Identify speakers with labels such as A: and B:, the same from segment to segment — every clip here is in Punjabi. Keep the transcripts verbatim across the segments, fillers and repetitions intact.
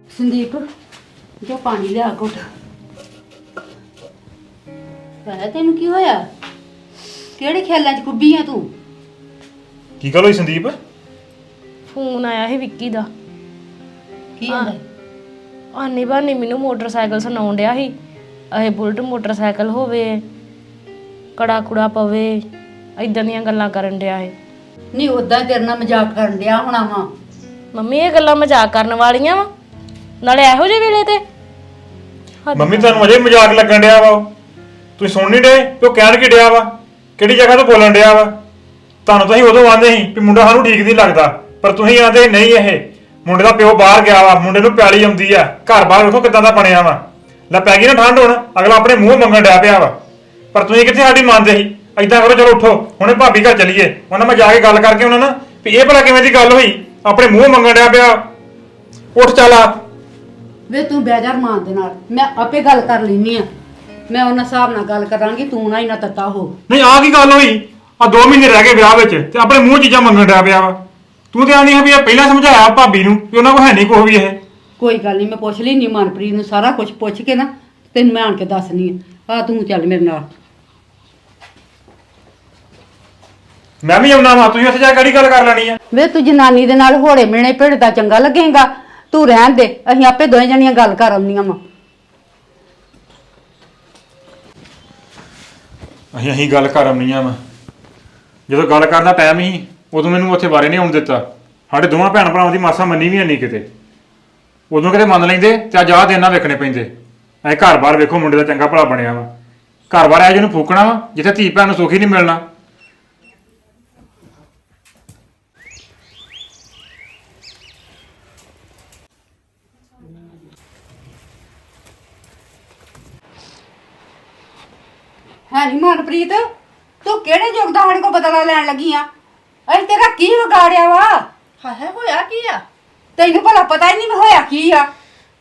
A: ਸੰਦੀਪ ਜੋ ਪਾਣੀ ਲਿਆ ਘੁੱਟ। ਹੈ ਤੈਨੂੰ ਕੀ ਹੋਇਆ? ਕਿਹੜੇ ਖਿਆਲਾਂ 'ਚ ਕੁੱਬੀ ਆ ਤੂੰ?
B: ਕੀ ਗੱਲ ਹੋਈ ਸੰਦੀਪ?
C: ਫੋਨ ਆਇਆ ਸੀ ਵਿੱਕੀ ਦਾ।
A: ਕੀ ਹੁੰਦਾ?
C: ਆਨੀ ਬਾਨੀ ਮੈਨੂੰ ਮੋਟਰਸਾਈਕਲ ਸੁਣਾਉਣ ਡਿਆ ਸੀ। ਇਹ ਬੁਲਟ ਮੋਟਰਸਾਈਕਲ ਹੋਵੇ, ਕੜਾ ਕੁੜਾ ਪਵੇ, ਇਦਾਂ ਦੀਆਂ ਗੱਲਾਂ ਕਰਨ ਡਿਆ ਸੀ।
A: ਨਹੀਂ ਉਦਾਂ ਤੇਰੇ ਨਾਲ ਮਜ਼ਾਕ ਕਰਨ ਡਿਆ ਹੋਣਾ ਵਾ।
C: ਮੰਮੀ ਇਹ ਗੱਲਾਂ ਮਜ਼ਾਕ ਕਰਨ ਵਾਲੀਆਂ ਵਾ, ਨਾਲੇ ਇਹੋ ਜਿਹੇ ਵੇਲੇ ਤੇ।
B: ਮੰਮੀ ਤੁਹਾਨੂੰ ਅਜੇ ਮਜ਼ਾਕ ਲੱਗਣ ਡਿਆ ਵਾ? ਤੁਸੀਂ ਸੁਣ ਨਹੀਂ ਡੇ ਤੇ ਉਹ ਕਹਿਣ ਕੀ ਡਿਆ ਵਾ? ਕਿਹੜੀ ਜਗ੍ਹਾ ਤੋਂ ਬੋਲਣ ਡਿਆ ਵਾ? ਤੁਹਾਨੂੰ ਤਾਂ ਅਸੀਂ ਉਦੋਂ ਆਂਦੇ ਸੀ ਵੀ ਮੁੰਡਾ ਸਾਨੂੰ ਠੀਕ ਨਹੀਂ ਲੱਗਦਾ, ਪਰ ਤੁਸੀਂ ਆਂਦੇ ਨਹੀਂ ਇਹ ਮੁੰਡੇ ਦਾ ਪਿਓ ਬਾਹਰ ਗਿਆ ਵਾ, ਮੁੰਡੇ ਨੂੰ ਪਿਆਲੀ ਆਉਂਦੀ ਆ, ਘਰ ਬਾਹਰ ਵੇਖੋ ਕਿੱਦਾਂ ਦਾ ਬਣਿਆ ਵਾ। ਲੈ ਪੈ ਗਈ ਨਾ ਠੰਡ, ਹੁਣ ਅਗਲਾ ਆਪਣੇ ਮੂੰਹ ਮੰਗਣ ਡਿਆ ਪਿਆ ਵਾ, ਪਰ ਤੁਸੀਂ ਕਿੱਥੇ ਸਾਡੀ ਮੰਨਦੇ ਸੀ। ਏਦਾਂ ਕਰੋ ਚਲੋ ਉੱਠੋ ਹੁਣੇ ਭਾਬੀ ਘਰ ਚੱਲੀਏ, ਉਹਨਾਂ ਮੈਂ ਜਾ ਕੇ ਗੱਲ ਕਰਕੇ ਉਹਨਾਂ ਨਾਲ ਵੀ ਇਹ ਭਲਾ ਕਿਵੇਂ ਦੀ ਗੱਲ ਹੋਈ, ਆਪਣੇ ਮੂੰਹ ਮੰਗਣ ਡਿਆ ਪਿਆ। ਉੱਠ ਚੱਲ ਆ।
A: ਵੇ ਤੂੰ ਬੇਜਾਰ ਮਾਂ ਦੇ ਨਾਲ ਮੈਂ ਆਪੇ ਗੱਲ ਕਰ ਲੈਣੀ ਆ। ਮੈਂ ਉਹਨਾਂ ਹਿਸਾਬ ਨਾਲ ਗੱਲ ਕਰਾਂਗੀ, ਤੂੰ ਨਾ ਹੀ ਨਾ ਤੱਤਾ ਹੋ।
B: ਨਹੀਂ ਆਹ ਕੀ ਗੱਲ ਹੋਈ? ਆ ਦੋ ਮਹੀਨੇ ਰਹਿ ਗਏ ਵਿਆਹ ਵਿੱਚ ਤੇ ਆਪਣੇ ਮੂੰਹ ਚੀਜ਼ਾਂ ਮੰਗਣ ਡਿਆ ਪਿਆ ਵਾ। ਤੂੰ ਤੇ ਆਨੀ ਹੈ ਵੀ ਇਹ ਪਹਿਲਾਂ ਸਮਝਾਇਆ ਭਾਬੀ ਨੂੰ ਵੀ ਉਹਨਾਂ ਕੋਲ ਹੈ ਨਹੀਂ ਕੁਛ ਵੀ। ਇਹ
A: ਕੋਈ ਗੱਲ ਨਹੀਂ, ਮੈਂ ਪੁੱਛ ਲੈਣੀ ਮਨਪ੍ਰੀਤ ਨੂੰ, ਸਾਰਾ ਕੁਝ ਪੁੱਛ ਕੇ ਨਾ ਤੈਨੂੰ ਮੈਂ ਆਣ ਕੇ ਦੱਸਣੀ ਆ। ਆ ਤੂੰ ਚੱਲ ਮੇਰੇ ਨਾਲ।
B: ਮੈਂ ਵੀ ਆਉਣਾ ਵਾ, ਤੁਸੀਂ ਉੱਥੇ ਜਾ ਕੇ ਕਿਹੜੀ ਗੱਲ ਕਰ ਲੈਣੀ ਆ?
A: ਵੇ ਤੂੰ ਜਨਾਨੀ ਦੇ ਨਾਲ ਹੋੜੇ ਮਿਲਣੇ ਭਿੜਦਾ ਚੰਗਾ ਲੱਗੇਗਾ? ਤੂੰ ਰਹਿਣ ਦੇ, ਅਸੀਂ ਆਪੇ ਦੋਵੇਂ ਜਣੀਆਂ ਗੱਲ ਕਰ ਆਉਂਦੀਆਂ ਵਾ।
B: ਅਸੀਂ ਅਸੀਂ ਗੱਲ ਕਰ ਆਉਣੀਆਂ ਵਾ। ਜਦੋਂ ਗੱਲ ਕਰਨ ਦਾ ਟਾਈਮ ਸੀ ਉਦੋਂ ਮੈਨੂੰ ਉੱਥੇ ਬਾਰੇ ਨਹੀਂ ਆਉਣ ਦਿੱਤਾ। ਸਾਡੇ ਦੋਵਾਂ ਭੈਣ ਭਰਾਵਾਂ ਦੀ ਮਾਸਾ ਮੰਨੀ ਵੀ ਨਹੀਂ ਕਿਤੇ। ਉਦੋਂ ਕਿਤੇ ਮੰਨ ਲੈਂਦੇ ਤੇ ਅੱਜ ਆਹ ਦਿਨ ਨਾ ਵੇਖਣੇ ਪੈਂਦੇ। ਐ ਘਰ ਬਾਰ ਵੇਖੋ ਮੁੰਡੇ ਦਾ ਚੰਗਾ ਭਲਾ ਬਣਿਆ ਵਾ, ਘਰ ਬਾਰ ਐ ਜਿਹਨੂੰ ਫੂਕਣਾ ਵਾ ਜਿੱਥੇ ਧੀ ਭੈਣ ਨੂੰ ਸੁੱਖ ਹੀ ਨਹੀਂ ਮਿਲਣਾ।
A: ਹੈ ਨੀ ਮਨਪ੍ਰੀਤ, ਤੂੰ ਕਿਹੜੇ ਯੁੱਗ ਦਾ ਸਾਡੇ ਕੋਲ ਬਦਲਾ ਲੈਣ ਲੱਗੀ ਆ? ਅਸੀਂ ਤੇਰਾ ਕੀ ਵਿਗਾੜਿਆ ਵਾ?
D: ਹਾਏ ਹੋਇਆ ਕੀ ਆ?
A: ਤੈਨੂੰ ਭਲਾ ਪਤਾ ਹੀ ਨਹੀਂ ਹੋਇਆ ਕੀ ਆ।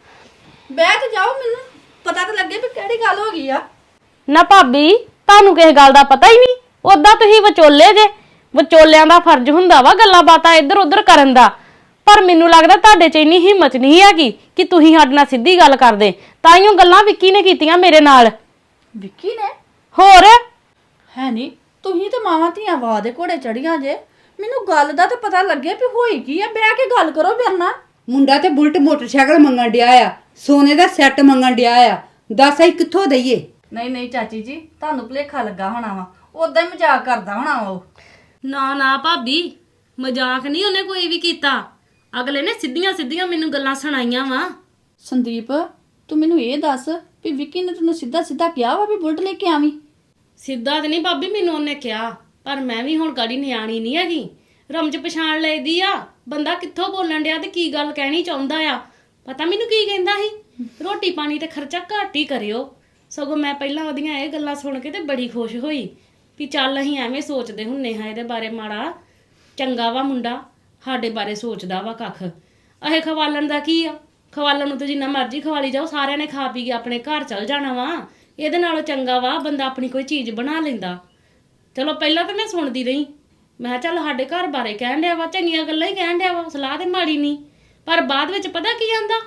D: ਬਹਿ ਤੇ ਜਾਓ, ਮੈਨੂੰ ਪਤਾ ਤਾਂ ਲੱਗੇ ਵੀ ਕਿਹੜੀ ਗੱਲ ਹੋ ਗਈ ਆ।
C: ਨਾ ਭਾਬੀ, ਤੁਹਾਨੂੰ ਕਿਸੇ ਗੱਲ ਦਾ ਪਤਾ ਹੀ ਨਹੀਂ। ਉਦਾਂ ਤੁਸੀਂ ਵਿਚੋਲੇ ਜੇ, ਵਿਚੋਲਿਆਂ ਦਾ ਫਰਜ਼ ਹੁੰਦਾ ਵਾ ਗੱਲਾਂ ਬਾਤਾਂ ਇੱਧਰ ਉੱਧਰ ਕਰਨ ਦਾ। ਪਰ ਮੈਨੂੰ ਲੱਗਦਾ ਤੁਹਾਡੇ 'ਚ ਇੰਨੀ ਹਿੰਮਤ ਨਹੀਂ ਹੈਗੀ ਕਿ ਤੁਸੀਂ ਸਾਡੇ ਨਾਲ ਸਿੱਧੀ ਗੱਲ ਕਰਦੇ। ਤਾਂ ਹੀ ਉਹ ਗੱਲਾਂ ਵਿੱਕੀ ਨੇ ਕੀਤੀਆਂ ਮੇਰੇ ਨਾਲ।
D: ਵਿੱਕੀ ਨੇ?
C: ਹੋਰ
D: ਹੈ ਨਹੀਂ, ਤੁਸੀਂ ਤੇ ਮਾਵਾਂ ਧੀਆਂ ਵਾਹ ਦੇ ਘੋੜੇ ਚੜੀਆਂ ਜੇ। ਮੈਨੂੰ ਗੱਲ ਦਾ ਤਾਂ ਪਤਾ ਲੱਗੇ ਵੀ ਹੋਈ ਕੀ ਆ। ਬਹਿ ਕੇ ਗੱਲ ਕਰੋ ਮੇਰੇ ਨਾਲ।
A: ਮੁੰਡਾ ਤੇ ਬੁਲਟ ਮੋਟਰਸਾਈਕਲ ਮੰਗਣ ਡਿਆ ਆ, ਸੋਨੇ ਦਾ ਸੈੱਟ ਮੰਗਣ ਡਿਆ ਆ। ਦੱਸ ਅਸੀਂ ਕਿੱਥੋਂ ਦਈਏ?
D: ਨਹੀਂ ਨਹੀਂ ਚਾਚੀ ਜੀ, ਤੁਹਾਨੂੰ ਭੁਲੇਖਾ ਲੱਗਾ ਹੋਣਾ ਵਾ। ਉਦਾਂ ਹੀ ਮਜ਼ਾਕ ਕਰਦਾ ਹੋਣਾ ਵਾ ਉਹ।
C: ਨਾ ਨਾ ਭਾਬੀ, ਮਜ਼ਾਕ ਨਹੀਂ ਉਹਨੇ ਕੋਈ ਵੀ ਕੀਤਾ। ਅਗਲੇ ਨੇ ਸਿੱਧੀਆਂ ਸਿੱਧੀਆਂ ਮੈਨੂੰ ਗੱਲਾਂ ਸੁਣਾਈਆਂ ਵਾ।
D: ਸੰਦੀਪ, ਤੂੰ ਮੈਨੂੰ ਇਹ ਦੱਸ ਵੀ ਵਿੱਕੀ ਨੇ ਤੈਨੂੰ ਸਿੱਧਾ ਸਿੱਧਾ ਕਿਹਾ ਵਾ ਵੀ ਬੁਲਟ ਲੈ ਕੇ ਆਵੀਂ?
C: ਸਿੱਧਾ ਤੇ ਨਹੀਂ ਭਾਬੀ ਮੈਨੂੰ ਉਹਨੇ ਕਿਹਾ, ਪਰ ਮੈਂ ਵੀ ਹੁਣ ਗਾੜੀ ਨਿਆਣੀ ਨਹੀਂ ਹੈਗੀ। ਰਮਜ ਪਛਾਣ ਲਈਦੀ ਆ ਬੰਦਾ ਕਿੱਥੋਂ ਬੋਲਣ ਡਿਆ ਤੇ ਕੀ ਗੱਲ ਕਹਿਣੀ ਚਾਹੁੰਦਾ ਆ। ਪਤਾ ਮੈਨੂੰ ਕੀ ਕਹਿੰਦਾ ਸੀ, ਰੋਟੀ ਪਾਣੀ ਤੇ ਖਰਚਾ ਘੱਟ ਹੀ ਕਰਿਓ। ਸਗੋਂ ਮੈਂ ਪਹਿਲਾਂ ਉਹਦੀਆਂ ਇਹ ਗੱਲਾਂ ਸੁਣ ਕੇ ਤੇ ਬੜੀ ਖੁਸ਼ ਹੋਈ ਵੀ ਚੱਲ ਅਸੀਂ ਐਵੇਂ ਸੋਚਦੇ ਹੁੰਨੇ ਹਾਂ ਇਹਦੇ ਬਾਰੇ ਮਾੜਾ। ਚੰਗਾ ਵਾ ਮੁੰਡਾ, ਸਾਡੇ ਬਾਰੇ ਸੋਚਦਾ ਵਾ ਕੱਖ। ਇਹ ਖਵਾਲਣ ਦਾ ਕੀ ਆ? ਖਵਾਲਣ ਨੂੰ ਤਾਂ ਜਿੰਨਾ ਮਰਜ਼ੀ ਖਵਾਲੀ ਜਾਓ, ਸਾਰਿਆਂ ਨੇ ਖਾ ਪੀ ਕੇ ਆਪਣੇ ਘਰ ਚਲ ਜਾਣਾ ਵਾ। ਇਹਦੇ ਨਾਲੋਂ ਚੰਗਾ ਵਾ ਬੰਦਾ ਆਪਣੀ ਕੋਈ ਚੀਜ਼ ਬਣਾ ਲੈਂਦਾ। ਚਲੋ ਪਹਿਲਾਂ ਤਾਂ ਮੈਂ ਸੁਣਦੀ ਰਹੀ, ਮੈਂ ਕਿਹਾ ਚੱਲ ਸਾਡੇ ਘਰ ਬਾਰੇ ਕਹਿਣ ਡਿਆ ਵਾ, ਚੰਗੀਆਂ ਗੱਲਾਂ ਹੀ ਕਹਿਣ ਡਿਆ ਵਾ, ਸਲਾਹ ਤੇ ਮਾੜੀ ਨਹੀਂ। ਪਰ ਬਾਅਦ ਵਿੱਚ ਪਤਾ ਕੀ ਆਂਦਾ,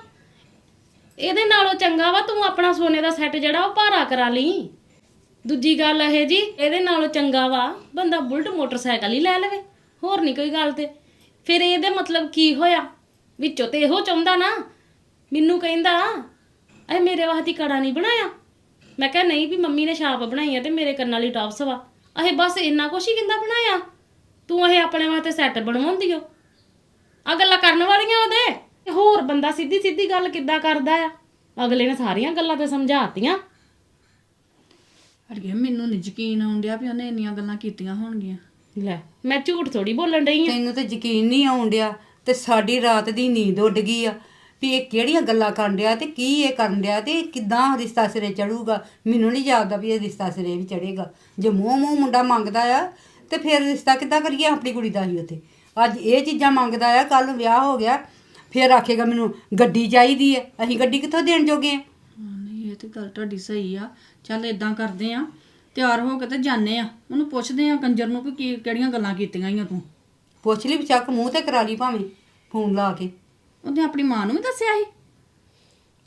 C: ਇਹਦੇ ਨਾਲੋਂ ਚੰਗਾ ਵਾ ਤੂੰ ਆਪਣਾ ਸੋਨੇ ਦਾ ਸੈੱਟ ਜਿਹੜਾ ਉਹ ਭਾਰਾ ਕਰਾ ਲਈ। ਦੂਜੀ ਗੱਲ ਇਹ ਜੀ, ਇਹਦੇ ਨਾਲੋਂ ਚੰਗਾ ਵਾ ਬੰਦਾ ਬੁਲਟ ਮੋਟਰਸਾਈਕਲ ਹੀ ਲੈ ਲਵੇ, ਹੋਰ ਨਹੀਂ ਕੋਈ ਗੱਲ। ਤੇ ਫਿਰ ਇਹਦੇ ਮਤਲਬ ਕੀ ਹੋਇਆ? ਵਿੱਚੋਂ ਤੇ ਇਹੋ ਚਾਹੁੰਦਾ ਨਾ। ਮੈਨੂੰ ਕਹਿੰਦਾ ਇਹ ਮੇਰੇ ਵਾਸਤੇ ਕੜਾ ਨਹੀਂ ਬਣਾਇਆ। ਮੈਂ ਕਿਹਾ ਨਹੀਂ ਵੀ ਮੰਮੀ ਨੇ ਛਾਪ ਬਣਾਈ ਆ ਤੇ ਮੇਰੇ ਕੰਨਾਂ ਲਈ ਟੌਪਸ ਵਾ। ਇਹ ਬਸ ਇੰਨਾ ਕੁਛ ਹੀ ਕਹਿੰਦਾ ਬਣਾਇਆ। ਤੂੰ ਇਹ ਆਪਣੇ ਵਾਸਤੇ ਸੈੱਟ ਬਣਵਾਉਂਦੀ ਓ। ਆ ਗੱਲਾਂ ਕਰਨ ਵਾਲੀਆਂ ਉਹਦੇ। ਹੋਰ ਬੰਦਾ ਸਿੱਧੀ ਸਿੱਧੀ ਗੱਲ ਕਿੱਦਾਂ ਕਰਦਾ ਆ? ਅਗਲੇ ਨੇ ਸਾਰੀਆਂ ਗੱਲਾਂ ਤੇ ਸਮਝਾਤੀਆਂ।
D: ਅੜੀਏ ਮੈਨੂੰ ਨਹੀਂ ਯਕੀਨ ਆਉਣ ਡਿਆ ਵੀ ਉਹਨੇ ਇੰਨੀਆਂ ਗੱਲਾਂ ਕੀਤੀਆਂ ਹੋਣਗੀਆਂ।
C: ਲੈ ਮੈਂ ਝੂਠ ਥੋੜੀ ਬੋਲਣ ਡਈ ਆ।
A: ਤੈਨੂੰ ਤੇ ਯਕੀਨ ਨਹੀਂ ਆਉਣ ਡਿਆ ਤੇ ਸਾਡੀ ਰਾਤ ਦੀ ਨੀਂਦ ਉੱਡ ਗਈ ਆ ਵੀ ਇਹ ਕਿਹੜੀਆਂ ਗੱਲਾਂ ਕਰਨ ਡਿਆ ਤੇ ਕੀ ਇਹ ਕਰਨ ਡਿਆ ਤੇ ਕਿੱਦਾਂ ਰਿਸ਼ਤਾ ਸਿਰੇ ਚੜੂਗਾ। ਮੈਨੂੰ ਨਹੀਂ ਜਾਪਦਾ ਵੀ ਇਹ ਰਿਸ਼ਤਾ ਸਿਰੇ ਵੀ ਚੜੇਗਾ। ਜੇ ਮੂੰਹ ਮੂੰਹ ਮੁੰਡਾ ਮੰਗਦਾ ਆ ਤੇ ਫਿਰ ਰਿਸ਼ਤਾ ਕਿੱਦਾਂ ਕਰੀਏ ਆਪਣੀ ਕੁੜੀ ਦਾ ਹੀ ਉੱਥੇ? ਅੱਜ ਇਹ ਚੀਜ਼ਾਂ ਮੰਗਦਾ ਆ, ਕੱਲ ਨੂੰ ਵਿਆਹ ਹੋ ਗਿਆ ਫਿਰ ਆਖੇਗਾ ਮੈਨੂੰ ਗੱਡੀ ਚਾਹੀਦੀ ਹੈ। ਅਸੀਂ ਗੱਡੀ ਕਿੱਥੋਂ ਦੇਣ ਜੋਗੇ ਆ?
D: ਨਹੀਂ ਇਹ ਤੇ ਗੱਲ ਤੁਹਾਡੀ ਸਹੀ ਆ। ਚੱਲ ਇਦਾਂ ਕਰਦੇ ਆ, ਤਿਆਰ ਹੋ ਕੇ ਤੇ ਜਾਂਦੇ ਆ, ਉਹਨੂੰ ਪੁੱਛਦੇ ਆ ਕੰਜਰ ਨੂੰ ਵੀ ਕੀ ਕਿਹੜੀਆਂ ਗੱਲਾਂ ਕੀਤੀਆਂ ਈਆਂ ਤੂੰ।
A: ਪੁੱਛ ਲਈ ਚੱਕ ਮੂੰਹ ਤੇ ਕਰਾ ਲਈ ਭਾਵੇਂ ਫੋਨ ਲਾ ਕੇ।
D: ਉਹਨੇ ਆਪਣੀ ਮਾਂ ਨੂੰ ਵੀ ਦੱਸਿਆ ਸੀ?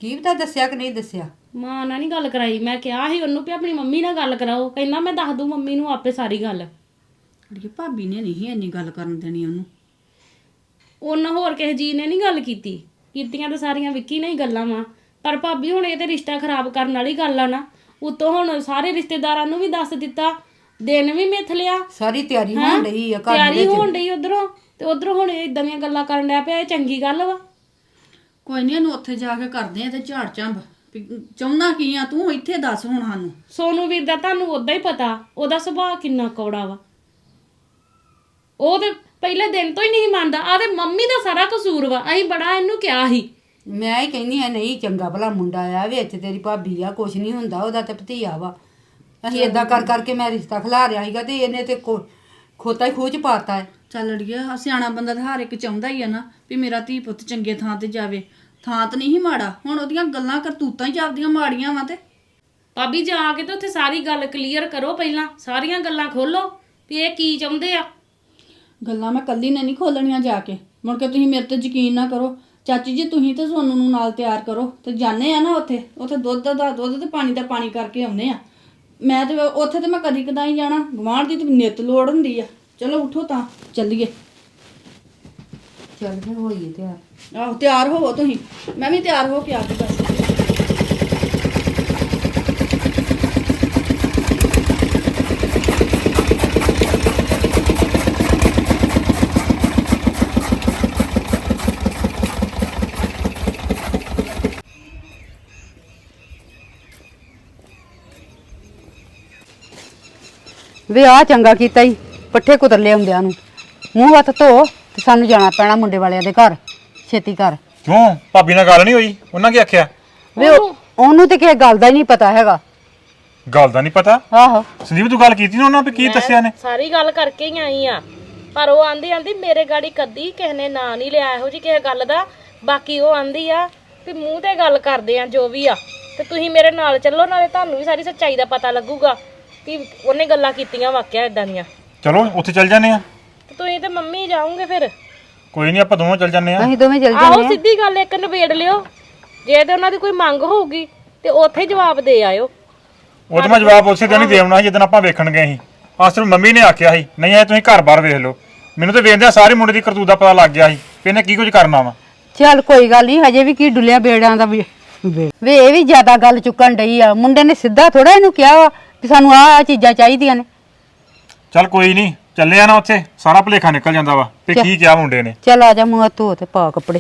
A: ਕੀ ਪਤਾ ਦੱਸਿਆ ਕਿ ਨਹੀਂ ਦੱਸਿਆ।
C: ਮਾਂ ਨਾਲ ਨਹੀਂ ਗੱਲ ਕਰਾਈ। ਮੈਂ ਕਿਹਾ ਸੀ ਉਹਨੂੰ ਵੀ ਆਪਣੀ ਮੰਮੀ ਨਾਲ ਗੱਲ ਕਰਾਓ, ਕਹਿੰਦਾ ਮੈਂ ਦੱਸ ਦੂੰ ਮੰਮੀ ਨੂੰ ਆਪੇ ਸਾਰੀ ਗੱਲ।
D: ਅੜੀਏ ਭਾਬੀ ਨੇ ਨਹੀਂ ਇੰਨੀ ਗੱਲ ਕਰਨ ਦੇਣੀ ਉਹਨੂੰ।
C: ਉਹਨਾਂ ਹੋਰ ਕਿਸੇ ਜੀ ਨੇ ਨਹੀਂ ਗੱਲ ਕੀਤੀ, ਕੀਤੀਆਂ ਤਾਂ ਸਾਰੀਆਂ ਵਿੱਕੀ ਨੇ ਹੀ ਗੱਲਾਂ ਵਾ। ਪਰ ਭਾਬੀ ਹੁਣ ਇਹ ਤੇ ਰਿਸ਼ਤਾ ਖਰਾਬ ਕਰਨ ਵਾਲੀ ਗੱਲ ਆ ਨਾ। ਉਤੋਂ ਹੁਣ ਸਾਰੇ ਰਿਸ਼ਤੇਦਾਰਾਂ ਨੂੰ ਵੀ ਦੱਸ ਦਿੱਤਾ, ਦਿਨ ਵੀ ਮਿੱਥ ਲਿਆ,
A: ਸਾਰੀ ਤਿਆਰੀ ਹੋਣ ਡਈ ਆ ਘਰ
C: ਤਿਆਰੀ
A: ਵਿੱਚ।
C: ਹੋਣ ਡਈ ਉਧਰੋਂ ਤੇ ਉਧਰੋਂ ਹੁਣ ਇਦਾਂ ਦੀਆਂ ਗੱਲਾਂ ਕਰਨ ਡਿਆ ਪਿਆ। ਇਹ ਚੰਗੀ ਗੱਲ ਵਾ?
D: ਕੋਈ ਨਹੀਂ ਇਹਨੂੰ ਉੱਥੇ ਜਾ ਕੇ ਕਰਦੇ ਆ ਤੇ ਝਾੜ ਝੰਬ ਵੀ ਚਾਹੁੰਦਾ ਕੀ ਆ ਤੂੰ, ਇੱਥੇ ਦੱਸ ਹੁਣ ਸਾਨੂੰ।
C: ਸੋਨੂ ਵੀਰ ਦਾ ਤੁਹਾਨੂੰ ਉਦਾਂ ਹੀ ਪਤਾ, ਉਹਦਾ ਸੁਭਾਅ ਕਿੰਨਾ ਕੌੜਾ ਵਾ। ਉਹ ਤੇ ਪਹਿਲੇ ਦਿਨ ਤੋਂ ਹੀ ਨਹੀਂ ਮੰਨਦਾ। ਆ ਤੇ ਮੰਮੀ ਦਾ ਸਾਰਾ ਕਸੂਰ ਵਾ। ਅਸੀਂ ਬੜਾ ਇਹਨੂੰ ਕਿਹਾ ਸੀ।
A: ਮੈਂ ਹੀ ਕਹਿੰਦੀ ਆ ਨਹੀਂ ਚੰਗਾ ਭਲਾ ਮੁੰਡਾ ਆ, ਵਿੱਚ ਤੇਰੀ ਭਾਬੀ ਆ, ਕੁਛ ਨਹੀਂ ਹੁੰਦਾ, ਉਹਦਾ ਤੇ ਭਤੀਆ ਵਾ। ਅਸੀਂ ਏਦਾਂ ਕਰ ਕਰਕੇ ਮੈਂ ਰਿਸ਼ਤਾ ਖਿਲਾ ਰਿਆ ਸੀਗਾ ਤੇ ਇਹਨੇ ਤੇ ਖੋ- ਖੋਤਾ ਹੀ ਖੂਹ ਚ ਪਾਤਾ ਹੈ।
D: ਚੱਲ ਅੜੀਏ ਆਹ ਸਿਆਣਾ ਬੰਦਾ ਤਾਂ ਹਰ ਇੱਕ ਚਾਹੁੰਦਾ ਹੀ ਆ ਨਾ ਵੀ ਮੇਰਾ ਧੀ ਪੁੱਤ ਚੰਗੇ ਥਾਂ ਤੇ ਜਾਵੇ। ਥਾਂ ਤਾਂ ਨਹੀਂ ਮਾੜਾ, ਹੁਣ ਉਹਦੀਆਂ ਗੱਲਾਂ ਕਰਤੂਤਾਂ ਹੀ ਜਾਂਦੀਆਂ ਮਾੜੀਆਂ ਵਾ। ਤੇ
C: ਭਾਬੀ ਜਾ ਕੇ ਤੇ ਉੱਥੇ ਸਾਰੀ ਗੱਲ ਕਲੀਅਰ ਕਰੋ, ਪਹਿਲਾਂ ਸਾਰੀਆਂ ਗੱਲਾਂ ਖੋਲੋ ਵੀ ਇਹ ਕੀ ਚਾਹੁੰਦੇ ਆ।
D: ਗੱਲਾਂ ਮੈਂ ਕੱਲੀ ਨੇ ਨਹੀਂ ਖੋਲਣੀਆਂ ਜਾ ਕੇ, ਮੁੜ ਕੇ ਤੁਸੀਂ ਮੇਰੇ ਤੇ ਯਕੀਨ ਨਾ ਕਰੋ। ਚਾਚੀ ਜੀ ਤੁਸੀਂ ਤੇ ਸੋਨੂੰ ਨੂੰ ਨਾਲ ਤਿਆਰ ਕਰੋ ਤੇ ਜਾਣੇ ਆ ਨਾ ਉੱਥੇ ਉੱਥੇ ਦੁੱਧ ਦਾ ਦੁੱਧ ਤੇ ਪਾਣੀ ਦਾ ਪਾਣੀ ਕਰਕੇ ਆਉਨੇ ਆ। ਮੈਂ ਤੇ ਉੱਥੇ ਤੇ ਮੈਂ ਕਦੀ ਕਦਾਈ ਜਾਣਾ, ਗੁਆਂਢ ਦੀ ਤੇ ਨਿੱਤ ਲੋੜ ਹੁੰਦੀ ਆ। ਚਲੋ ਉਠੋ ਤਾਂ ਚੱਲੀਏ।
A: ਚੱਲ ਫਿਰ ਹੋਈਏ ਤਿਆਰ।
D: ਆਹੋ ਤਿਆਰ ਹੋਵੋ ਤੁਸੀਂ, ਮੈਂ ਵੀ ਤਿਆਰ ਹੋ ਕੇ ਆ ਕੇ ਬਸ।
A: ਵੇ ਆ ਚੰਗਾ ਕੀਤਾ ਈ, ਪੱਠੇ ਕੁਤਰ ਲਿਆਉਂਦਿਆਂ ਨੂੰ। ਮੂੰਹ ਹੱਥ ਧੋ ਤੇ ਸਾਨੂੰ ਜਾਣਾ ਪੈਣਾ ਮੁੰਡੇ ਵਾਲਿਆਂ ਦੇ ਘਰ, ਛੇਤੀ ਕਰ।
B: ਕਿਉਂ ਭਾਬੀ ਨਾਲ ਗੱਲ ਨਹੀਂ ਹੋਈ? ਉਹਨਾਂ ਕੀ ਆਖਿਆ?
A: ਵੇ ਉਹ- ਉਹਨੂੰ ਤੇ ਕਿਸੇ ਗੱਲ ਦਾ ਹੀ ਨਹੀਂ ਪਤਾ ਹੈਗਾ।
B: ਗੱਲ ਦਾ ਨਹੀਂ ਪਤਾ?
A: ਆਹੋ
B: ਸੰਦੀਪ ਤੂੰ ਗੱਲ ਕੀਤੀ ਨਾ ਉਹਨਾਂ ਵੀ ਕੀ ਦੱਸਿਆ ਨੇ?
C: ਸਾਰੀ ਗੱਲ ਕਰਕੇ ਹੀ ਆਈ ਆ, ਪਰ ਉਹ ਆਂਦੀ ਆਂਦੀ ਮੇਰੇ ਗਾੜੀ ਕਦੀ ਕਿਸੇ ਨੇ ਨਾਂ ਨਹੀਂ ਲਿਆ ਇਹੋ ਜੀ ਕਿਸੇ ਗੱਲ ਦਾ। ਬਾਕੀ ਉਹ ਆਂਦੀ ਆ ਵੀ ਮੂੰਹ ਤੇ ਗੱਲ ਕਰਦੇ ਆ ਜੋ ਵੀ ਆ, ਤੇ ਤੁਸੀਂ ਮੇਰੇ ਨਾਲ ਚੱਲੋ, ਨਾਲੇ ਤੁਹਾਨੂੰ ਵੀ ਸਾਰੀ ਸੱਚਾਈ ਦਾ ਪਤਾ ਲੱਗੂਗਾ ਕਿ ਉਹਨੇ ਗੱਲਾਂ ਕੀਤੀਆਂ ਵਾਕਿਆ ਇਦਾਂ ਦੀਆਂ।
B: ਚਲੋ ਉੱਥੇ ਚੱਲ ਜਾਂਦੇ ਆ।
C: ਤੇ ਤੁਸੀਂ ਤੇ ਮੰਮੀ ਜਾਓਗੇ ਫਿਰ?
B: ਕੋਈ ਨਹੀਂ ਆਪਾਂ ਦੋਵੇਂ ਚੱਲ ਜਾਂਦੇ ਆ।
A: ਅਸੀਂ ਦੋਵੇਂ ਚੱਲ
C: ਆਹੋ
A: ਜਾਂਦੇ ਆ।
C: ਸਿੱਧੀ ਗੱਲ ਇੱਕ ਨਿਬੇੜ ਲਿਓ, ਜੇ ਤੇ ਉਹਨਾਂ ਦੀ ਕੋਈ ਮੰਗ ਹੋਊਗੀ ਤੇ ਉੱਥੇ ਹੀ ਜਵਾਬ ਦੇ ਆਇਓ।
B: ਉਹ ਤਾਂ ਮੈਂ ਜਵਾਬ ਉਸੇ ਦਿਨ ਹੀ ਦੇ ਆਉਣਾ ਸੀ ਜਦੋਂ ਆਪਾਂ ਵੇਖਣ ਗਏ ਸੀ। ਆਹ ਸਿਰਫ ਮੰਮੀ ਨੇ ਆਖਿਆ ਸੀ, ਨਹੀਂ ਆਏ ਤੁਸੀਂ ਘਰ-ਬਾਰ ਵੇਖ ਲਓ। ਮੈਨੂੰ ਤਾਂ ਵੇਖਦਿਆਂ ਸਾਰੇ ਮੁੰਡੇ ਦੀ ਕਰਤੂਤ ਦਾ ਪਤਾ ਲੱਗ ਗਿਆ ਸੀ ਕਿ ਇਹਨੇ ਕੀ ਕੁਝ ਕਰਨਾ ਵਾ।
A: ਚੱਲ ਕੋਈ ਗੱਲ ਨਹੀਂ, ਹਜੇ ਵੀ ਕੀ ਡੁੱਲਿਆ ਬੇੜਾਂ ਦਾ ਵੀ। ਵੇ ਵੇ ਇਹ ਵੀ ਜ਼ਿਆਦਾ ਗੱਲ ਚੁੱਕਣ ਡਈ ਆ। ਮੁੰਡੇ ਨੇ ਸਿੱਧਾ ਥੋੜਾ ਇਹਨੂੰ ਕਿਹਾ ਵਾ ਕਿ ਸਾਨੂੰ ਆਹ ਆਹ ਚੀਜ਼ਾਂ ਚਾਹੀਦੀਆਂ ਨੇ।
B: ਚੱਲ ਕੋਈ ਨਹੀਂ, ਚੱਲੇ ਆ ਨਾ ਉੱਥੇ ਸਾਰਾ ਭੁਲੇਖਾ ਨਿਕਲ ਜਾਂਦਾ ਵਾ ਤੇ ਕੀ ਕਿਹਾ ਮੁੰਡੇ ਨੇ।
A: ਚੱਲ ਆ ਜਾ, ਮੂੰਹ ਹੱਥ ਧੋ ਤੇ ਪਾ ਕੱਪੜੇ।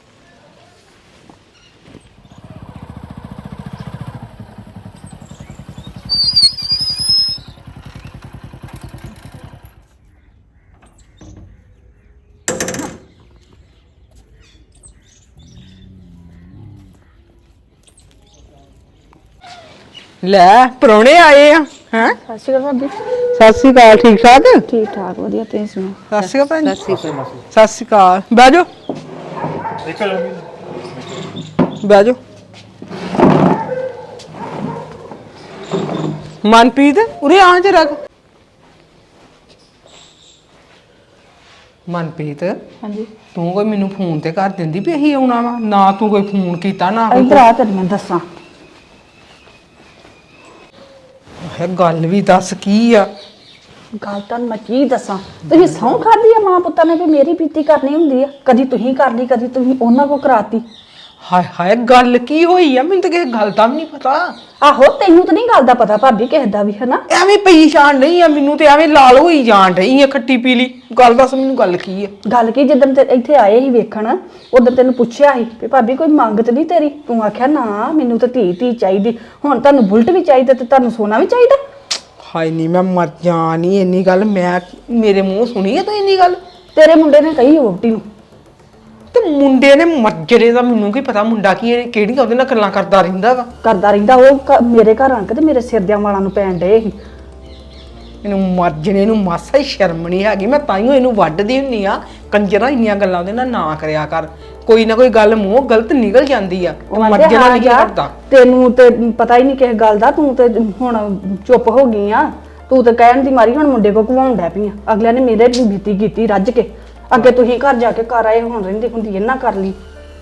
E: ਲੈ ਪ੍ਰਾਹੁਣੇ ਆਏ ਆ ਹੈ।
D: ਸਤਿ ਸ਼੍ਰੀ ਅਕਾਲ ਭਾਬੀ।
E: ਸਤਿ ਸ਼੍ਰੀ ਅਕਾਲ। ਠੀਕ ਠਾਕ?
D: ਠੀਕ ਠਾਕ ਵਧੀਆ, ਤੁਸੀਂ ਸੁਣਾਓ?
E: ਸਤਿ ਸ਼੍ਰੀ ਅਕਾਲ ਭੈਣ ਜੀ। ਸਤਿ ਸ਼੍ਰੀ ਅਕਾਲ। ਬਹਿ ਜਾਓ
B: ਇੱਕ ਮਿੰਟ।
E: ਬਹਿ ਜਾਓ। ਮਨਪ੍ਰੀਤ ਉਰੇ ਆ ਜਰਾ। ਮਨਪ੍ਰੀਤ
D: ਹਾਂਜੀ
E: ਤੂੰ ਕੋਈ ਮੈਨੂੰ ਫੋਨ ਤੇ ਕਰ ਦਿੰਦੀ ਵੀ ਅਸੀਂ ਆਉਣਾ ਵਾ, ਨਾ ਤੂੰ ਕੋਈ ਫੋਨ ਕੀਤਾ ਨਾ ਕੋਈ।
D: ਇੱਧਰ ਆ ਤੈਨੂੰ ਮੈਂ ਦੱਸਾਂ।
E: ਹੈ ਗੱਲ ਵੀ ਦੱਸ ਕੀ ਆ।
D: ਗੱਲ ਤਾਂ ਮੈਂ ਕੀ ਦੱਸਾਂ, ਤੁਸੀਂ ਸਹੁੰ ਖਾਧੀ ਆ ਮਾਂ ਪੁੱਤਾਂ ਨੇ ਵੀ ਮੇਰੀ ਪੀਤੀ ਕਰਨੀ ਹੁੰਦੀ ਆ। ਕਦੀ ਤੁਸੀਂ ਕਰ ਲਈ, ਕਦੀ ਤੁਸੀਂ ਉਹਨਾਂ ਕੋ ਕਰਾਤੀ।
E: ਹਾਏ ਹਾਏ ਗੱਲ ਕੀ ਹੋਈ ਆ? ਮੈਨੂੰ ਤਾਂ ਕਿਸੇ ਗੱਲ ਦਾ ਵੀ ਨਹੀਂ ਪਤਾ।
D: ਆਹੋ ਤੈਨੂੰ ਤਾਂ ਨਹੀਂ ਗੱਲ ਦਾ ਪਤਾ ਭਾਬੀ, ਕਿਸੇ ਦਾ ਵੀ ਹਨਾ।
E: ਐਵੇਂ ਪਰੇਸ਼ਾਨ ਨਹੀਂ ਆ, ਮੈਨੂੰ ਤੇ ਐਵੇਂ ਲਾਲ ਹੋਈ ਜਾਣ ਰਹੀ ਆ ਖੱਟੀ ਪੀਲੀ। ਗੱਲ ਦੱਸ ਮੈਨੂੰ ਗੱਲ ਕੀ ਆ?
D: ਗੱਲ ਕੀ, ਜਿੱਦਣ ਤੇ ਇੱਥੇ ਆਏ ਸੀ ਵੇਖਣ, ਉਦੋਂ ਤੈਨੂੰ ਪੁੱਛਿਆ ਸੀ ਵੀ ਭਾਬੀ ਕੋਈ ਮੰਗ ਤੇ ਨਹੀਂ ਤੇਰੀ? ਤੂੰ ਆਖਿਆ ਨਾ ਮੈਨੂੰ ਤਾਂ ਧੀ ਧੀ ਚਾਹੀਦੀ। ਹੁਣ ਤੁਹਾਨੂੰ ਬੁਲਟ ਵੀ ਚਾਹੀਦਾ ਤੇ ਤੁਹਾਨੂੰ ਸੋਨਾ ਵੀ ਚਾਹੀਦਾ।
E: ਹਾਏ ਨਹੀਂ ਮੈਂ ਮਰ ਜਾ ਨਹੀਂ ਇੰਨੀ ਗੱਲ ਮੈਂ ਮੇਰੇ ਮੂੰਹ ਸੁਣੀ ਆ ਤੂੰ ਇੰਨੀ ਗੱਲ?
D: ਤੇਰੇ ਮੁੰਡੇ ਨੇ ਕਹੀ ਵੋਟੀ ਨੂੰ।
E: ਤੇ ਮੁੰਡੇ ਨੇ ਮੱਜਰੇ ਦਾ ਮੈਨੂੰ ਕੀ ਪਤਾ ਮੁੰਡਾ ਕੀ ਇਹ ਕਿਹੜੀਆਂ ਉਹਦੇ ਨਾਲ ਗੱਲਾਂ ਕਰਦਾ ਰਹਿੰਦਾ ਵਾ।
D: ਕਰਦਾ ਰਹਿੰਦਾ ਉਹ ਕ- ਮੇਰੇ ਘਰ ਆਣ ਕੇ ਤੇ ਮੇਰੇ ਸਿਰ ਦਿਆਂ ਵਾਲਾਂ ਨੂੰ ਪੈਣ ਡਏ ਸੀ।
E: ਇਹਨੂੰ ਮਰਜਣੇ ਨੂੰ ਮਾਸਾ ਹੀ ਸ਼ਰਮ ਨਹੀਂ ਹੈਗੀ। ਮੈਂ ਤਾਈਓ ਇਹਨੂੰ ਵੱਢਦੀ ਹੁੰਨੀ ਆ, ਕੰਜਰਾ ਇੰਨੀਆਂ ਗੱਲਾਂ ਉਹਦੇ ਨਾਲ ਨਾ ਕਰਿਆ ਕਰ। ਕੋਈ ਨਾ ਕੋਈ ਗੱਲ ਮੂੰਹ ਗਲਤ ਨਿਕਲ ਜਾਂਦੀ ਆ।
D: ਉਹ ਆਂਦੇ
E: ਮਰਜਣਾ
D: ਹਾਂ
E: ਨਹੀਂ
D: ਯਾਰ,
E: ਕਰਦਾ।
D: ਤੈਨੂੰ ਤੇ ਪਤਾ ਹੀ ਨਹੀਂ ਕਿਸ ਗੱਲ ਦਾ, ਤੂੰ ਤੇ ਹੁਣ ਚੁੱਪ ਹੋ ਗਈ ਆ। ਤੂੰ ਤੇ ਕਹਿਣ ਦੀ ਮਾਰੀ ਹੁਣ ਮੁੰਡੇ ਕੋ ਘਵਾਉਣ ਡੈ ਪਈ ਆ। ਅਗਲਿਆਂ ਨੇ ਮੇਰੇ ਵੀ ਬੀਤੀ ਕੀਤੀ ਰੱਜ ਕੇ। ਅੱਗੇ ਤੁਸੀਂ ਘਰ ਜਾ ਕੇ ਘਰ ਆਏ ਹੁਣ ਰਹਿੰਦੀ ਹੁੰਦੀ ਇਹਨਾਂ ਕਰ ਲਈ।